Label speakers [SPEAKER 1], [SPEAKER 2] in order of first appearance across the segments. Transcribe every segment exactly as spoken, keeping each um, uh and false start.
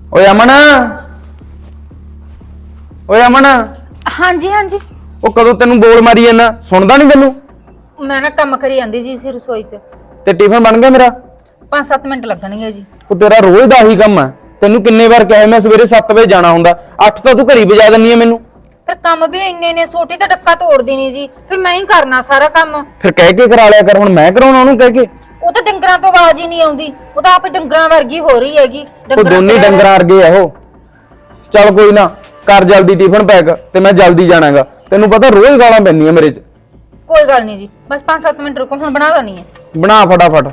[SPEAKER 1] ਓਏ ਅਮਨ ਓਏ ਅਮਨ
[SPEAKER 2] हाँ जी हाँ जी।
[SPEAKER 1] ਉਹ ਕਦੋਂ ਤੈਨੂੰ ਬੋਲ ਮਾਰੀ ਜਾਂਦਾ ਸੁਣਦਾ ਨਹੀਂ ਤੈਨੂੰ
[SPEAKER 2] मैं ना कम करी आंदी जी सी रसोई च
[SPEAKER 1] ਤੇ ਟਿਫਨ ਬਣ ਗਿਆ ਮੇਰਾ
[SPEAKER 2] पांच सत्त मिनट लगणगे जी।
[SPEAKER 1] ਉਹ ਤੇਰਾ ਰੋਜ਼ ਦਾ ਹੀ ਕੰਮ ਹੈ ਤੈਨੂੰ ਕਿੰਨੇ ਵਾਰ ਕਿਹਾ ਮੈਂ ਸਵੇਰੇ ਸੱਤ ਵਜੇ ਜਾਣਾ ਹੁੰਦਾ ਅੱਠ ਤਾਂ ਤੂੰ ਘਰੀ ਵਜਾ ਦਿੰਨੀ ਹੈ ਮੈਨੂੰ
[SPEAKER 2] पर काम भी इन्ने ने सोटी तो डक्का तोड़ दी नहीं जी फिर मैं ही करना सारा काम।
[SPEAKER 1] ਫਿਰ ਕਹਿ ਕੇ ਕਰਾ ਲਿਆ ਕਰ ਹੁਣ ਮੈਂ ਕਰਾਉਣਾ ਉਹਨੂੰ ਕਹਿ ਕੇ
[SPEAKER 2] वो तो डंगरां तो आवाज ही नहीं आउंदी वो तो आप डंगरां वर्गी हो रही हैगी।
[SPEAKER 1] ਉਹ ਦੋਨੇ
[SPEAKER 2] च
[SPEAKER 1] ਡੰਗਰਾਂ ਵਰਗੇ ਆ ਉਹ ਚੱਲ ਕੋਈ ਨਾ ਕਰ ਜਲਦੀ ਟਿਫਨ ਪੈਕ ਤੇ ਮੈਂ ਜਲਦੀ ਜਾਣਾਗਾ ਤੈਨੂੰ ਪਤਾ ਰੋਜ਼ ਗਾਲਾਂ ਪੈਂਦੀਆਂ ਮੇਰੇ 'ਚ।
[SPEAKER 2] कोई गल नहीं जी बस पांच सत्त मिनट रुको हुण बना देनी है।
[SPEAKER 1] ਬਣਾ ਫਟਾਫਟ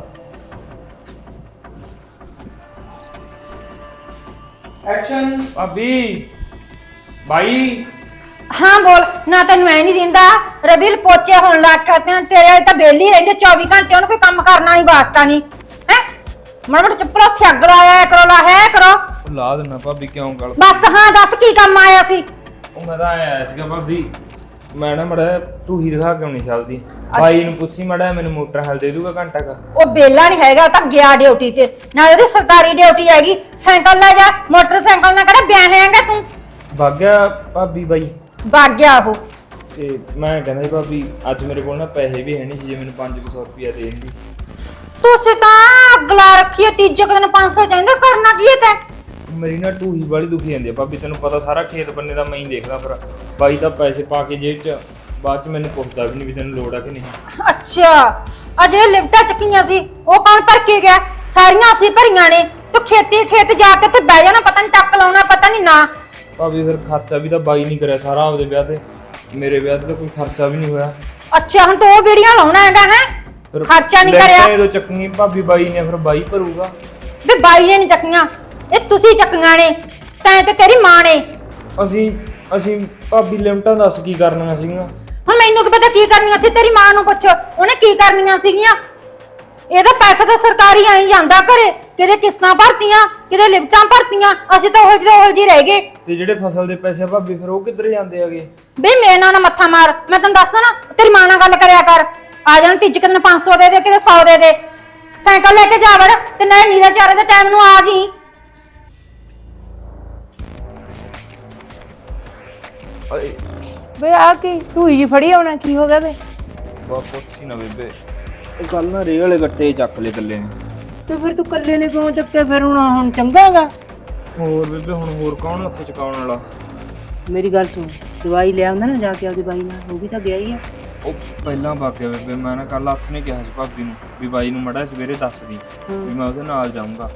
[SPEAKER 1] ਐਕਸ਼ਨ
[SPEAKER 3] ਭਾਬੀ ਬਾਈ
[SPEAKER 2] हाँ बोल ना तेन मैं नहीं दिंदा रबील पोचे होने लग कहते हैं तेरे तो बेली रहंदे चौबीस घंटे उन्हें कोई काम करना नहीं वास्ता नहीं है मड़ मड़ चप्पल हत्थे अग लाया करो ला है करो
[SPEAKER 3] ਲਾ ਦੇਣਾ ਭਾਬੀ ਕਿਉਂ ਗੱਲ
[SPEAKER 2] बस हाँ दस की काम आया सी।
[SPEAKER 3] ਉਹ ਮੈਂ ਤਾਂ ਆਇਆ ਸੀਗਾ ਭਾਬੀ ਮੈਂ ਨਾ ਮੜਾ ਤੂੰ ਹੀ ਦਿਖਾ ਕਿਉਂ ਨਹੀਂ ਚੱਲਦੀ ਬਾਈ ਨੂੰ ਪੁੱਛੀ ਮੜਾ ਮੈਨੂੰ ਮੋਟਰ ਹਲ ਦੇ ਦੂਗਾ ਘੰਟਾ ਕਾ
[SPEAKER 2] ਉਹ ਬੇਲਾ ਨਹੀਂ ਹੈਗਾ ਤਾਂ ਗਿਆ ਡਿਊਟੀ ਤੇ ਨਾ ਉਹਦੀ ਸਰਕਾਰੀ ਡਿਊਟੀ ਹੈਗੀ ਸਾਈਕਲ ਲੈ ਜਾ ਮੋਟਰਸਾਈਕਲ ਨਾਲ ਕਿਹੜਾ ਵਿਆਹ ਹੈਗਾ ਤੂੰ
[SPEAKER 3] ਭਾਗਿਆ ਭਾਬੀ ਬਾਈ
[SPEAKER 2] ਵਗ ਗਿਆ ਉਹ।
[SPEAKER 3] ਤੇ ਮੈਂ ਕਹਿੰਦਾ ਸੀ ਭਾਬੀ ਅੱਜ ਮੇਰੇ ਕੋਲ ਨਾ ਪੈਸੇ ਵੀ ਹੈ ਨਹੀਂ ਸੀ ਜੇ ਮੈਨੂੰ ਪੰਜ ਸੌ ਰੁਪਇਆ ਦੇ ਦਿੰਦੀ
[SPEAKER 2] ਤੁਸੀਂ ਤਾਂ ਅਗਲਾ ਰੱਖੀਏ ਤੀਜੇ ਕੁ ਦਿਨ ਪੰਜ ਸੌ ਚਾਹੀਦਾ ਕਰਨਾ ਕੀ ਹੈ ਤੈਂ।
[SPEAKER 3] ਮੇਰੀ ਨਾ ਢੂਹੀ ਵਾਲੀ ਦੁਖੀ ਜਾਂਦੀ ਆ ਭਾਬੀ ਤੈਨੂੰ ਪਤਾ ਸਾਰਾ ਖੇਤ ਬੰਨੇ ਦਾ ਮੈਂ ਹੀ ਦੇਖਦਾ ਫਿਰ ਬਾਈ ਤਾਂ ਪੈਸੇ ਪਾ ਕੇ ਜੇਬ 'ਚ ਬਾਅਦ 'ਚ ਮੈਨੂੰ ਪੁੱਛਦਾ ਵੀ ਨਹੀਂ ਵੀ ਤੈਨੂੰ ਲੋੜ ਆ ਕਿ ਨਹੀਂ।
[SPEAKER 2] ਅੱਛਾ ਆ ਜਿਹੜੇ ਲਿਫਟਾਂ ਚੱਕੀਆਂ ਸੀ ਉਹ ਕੌਣ ਭਰ ਕੇ ਗਿਆ ਸਾਰੀਆਂ ਅਸੀਂ ਭਰੀਆਂ ਨੇ ਤੂੰ ਖੇਤੀ ਖੇਤ ਜਾ ਕੇ ਤੇ ਬਹਿ ਜਾਣਾ ਪਤਾ ਨਹੀਂ ਟੱਕ ਲਾਉਣਾ ਪਤਾ ਨਹੀਂ ਨਾ।
[SPEAKER 3] ਭਾਬੀ ਫਿਰ ਖਰਚਾ ਵੀ ਤਾਂ ਬਾਈ ਨਹੀਂ ਕਰਿਆ ਸਾਰਾ ਆਪਦੇ ਵਿਆਹ ਤੇ ਮੇਰੇ ਵਿਆਹ ਤੇ ਤਾਂ ਕੋਈ ਖਰਚਾ ਵੀ ਨਹੀਂ ਹੋਇਆ
[SPEAKER 2] ਅੱਛਾ ਹੁਣ ਤੂੰ ਉਹ ਵੀਡੀਓ ਲਾਉਣਾ ਹੈਗਾ ਹੈ
[SPEAKER 3] ਫਿਰ
[SPEAKER 2] ਖਰਚਾ ਨਹੀਂ ਕਰਿਆ
[SPEAKER 3] ਜਦੋਂ ਚੱਕਣੀ ਭਾਬੀ ਬਾਈ ਨੇ ਫਿਰ ਬਾਈ ਭਰੂਗਾ
[SPEAKER 2] ਵੇ ਬਾਈ ਨੇ ਨਹੀਂ ਚੱਕੀਆਂ ਇਹ ਤੁਸੀਂ ਚੱਕੀਆਂ ਨੇ ਤੈਂ ਤੇ ਤੇਰੀ ਮਾਂ ਨੇ।
[SPEAKER 3] ਅਸੀਂ ਅਸੀਂ ਭਾਬੀ ਲਿਮਟਾਂ ਦੱਸ ਕੀ ਕਰਨੀਆਂ ਸੀਗੀਆਂ
[SPEAKER 2] ਹੁਣ ਮੈਨੂੰ ਕੀ ਪਤਾ ਕੀ ਕਰਨੀਆਂ ਸੀ ਤੇਰੀ ਮਾਂ ਨੂੰ ਪੁੱਛ ਉਹਨੇ ਕੀ ਕਰਨੀਆਂ ਸੀਗੀਆਂ। ਇਹਦਾ ਪੈਸਾ ਤਾਂ ਸਰਕਾਰੀ ਆਈ ਜਾਂਦਾ ਘਰੇ ਕਿਤੇ ਕਿਸ਼ਤਾਂ ਭਰਤੀਆਂ ਕਿਤੇ ਲਿਫਟਾਂ ਭਰਤੀਆਂ ਅਸੀਂ ਤਾਂ ਉਹ ਜਿਹੇ ਉਹ ਜਿਹੇ ਰਹਿ ਗਏ।
[SPEAKER 3] ਤੇ ਜਿਹੜੇ ਫਸਲ ਦੇ ਪੈਸੇ ਆ ਭਾਬੀ ਫਿਰ ਉਹ ਕਿੱਧਰ ਜਾਂਦੇ ਹੈਗੇ
[SPEAKER 2] ਬੇ ਮੇਰੇ ਨਾਲ ਨਾ ਮੱਥਾ ਮਾਰ ਮੈਂ ਤੈਨੂੰ ਦੱਸਦਾ ਨਾ ਤੇਰੀ ਮਾਂ ਨਾਲ ਗੱਲ ਕਰਿਆ ਕਰ ਆ ਜਾਣ ਤੀਜ ਕਿਤੇ ਪੰਜ ਸੌ ਦੇ ਦੇ ਕਿਤੇ ਸੌ ਦੇ ਦੇ ਸਾਈਕਲ ਲੈ ਕੇ ਜਾ ਵੜ ਤੇ ਨਾ ਨੀਰਾ ਚਾਰੇ ਦੇ ਟਾਈਮ ਨੂੰ ਆ ਜੀ।
[SPEAKER 4] ਵੇ ਆ ਕੀ ਢੂਈ ਜੀ ਫੜੀ ਆਉਣਾ ਕੀ ਹੋ ਗਿਆ ਵੇ
[SPEAKER 3] ਬਹੁਤ ਪੁੱਛੀ ਨਾ ਬੇਬੇ ਉਹ ਕੱਲ ਨਾ ਰੇਹ ਵਾਲੇ ਗੱਟੇ ਚੱਕ ਲੈ ਕੱਲੇ ਨੇ
[SPEAKER 4] ਤੇ ਫਿਰ ਤੂੰ ਕੱਲੇ ਨੇ ਕਿਉਂ ਚੱਕਿਆ ਫਿਰ ਹੁਣ ਹੁਣ ਚੰਗਾਗਾ।
[SPEAKER 3] ਹੋਰ ਬੇਬੇ ਹੁਣ ਹੋਰ ਕੌਣ ਉੱਥੇ ਚਕਾਉਣ ਵਾਲਾ
[SPEAKER 4] ਮੇਰੀ ਗੱਲ ਸੁਣ ਦਵਾਈ ਲੈ ਆਉਂਦਾ ਨਾ ਜਾ ਕੇ ਆਪਦੀ ਬਾਈ ਨਾਲ ਉਹ ਵੀ ਤਾਂ ਗਿਆ ਹੀ ਆ।
[SPEAKER 3] ਉਹ ਪਹਿਲਾਂ ਭਾਗਿਆ ਬੇਬੇ ਮੈਂ ਨਾ ਕੱਲ ਹੱਥ ਨੇ ਕਿਹਾ ਸੀ ਭਾਬੀ ਨੂੰ ਵੀ ਬਾਈ ਨੂੰ ਮੜਾ ਸਵੇਰੇ ਦੱਸ ਦੀ ਵੀ ਮੈਂ ਉਹਦੇ ਨਾਲ ਜਾਊਂਗਾ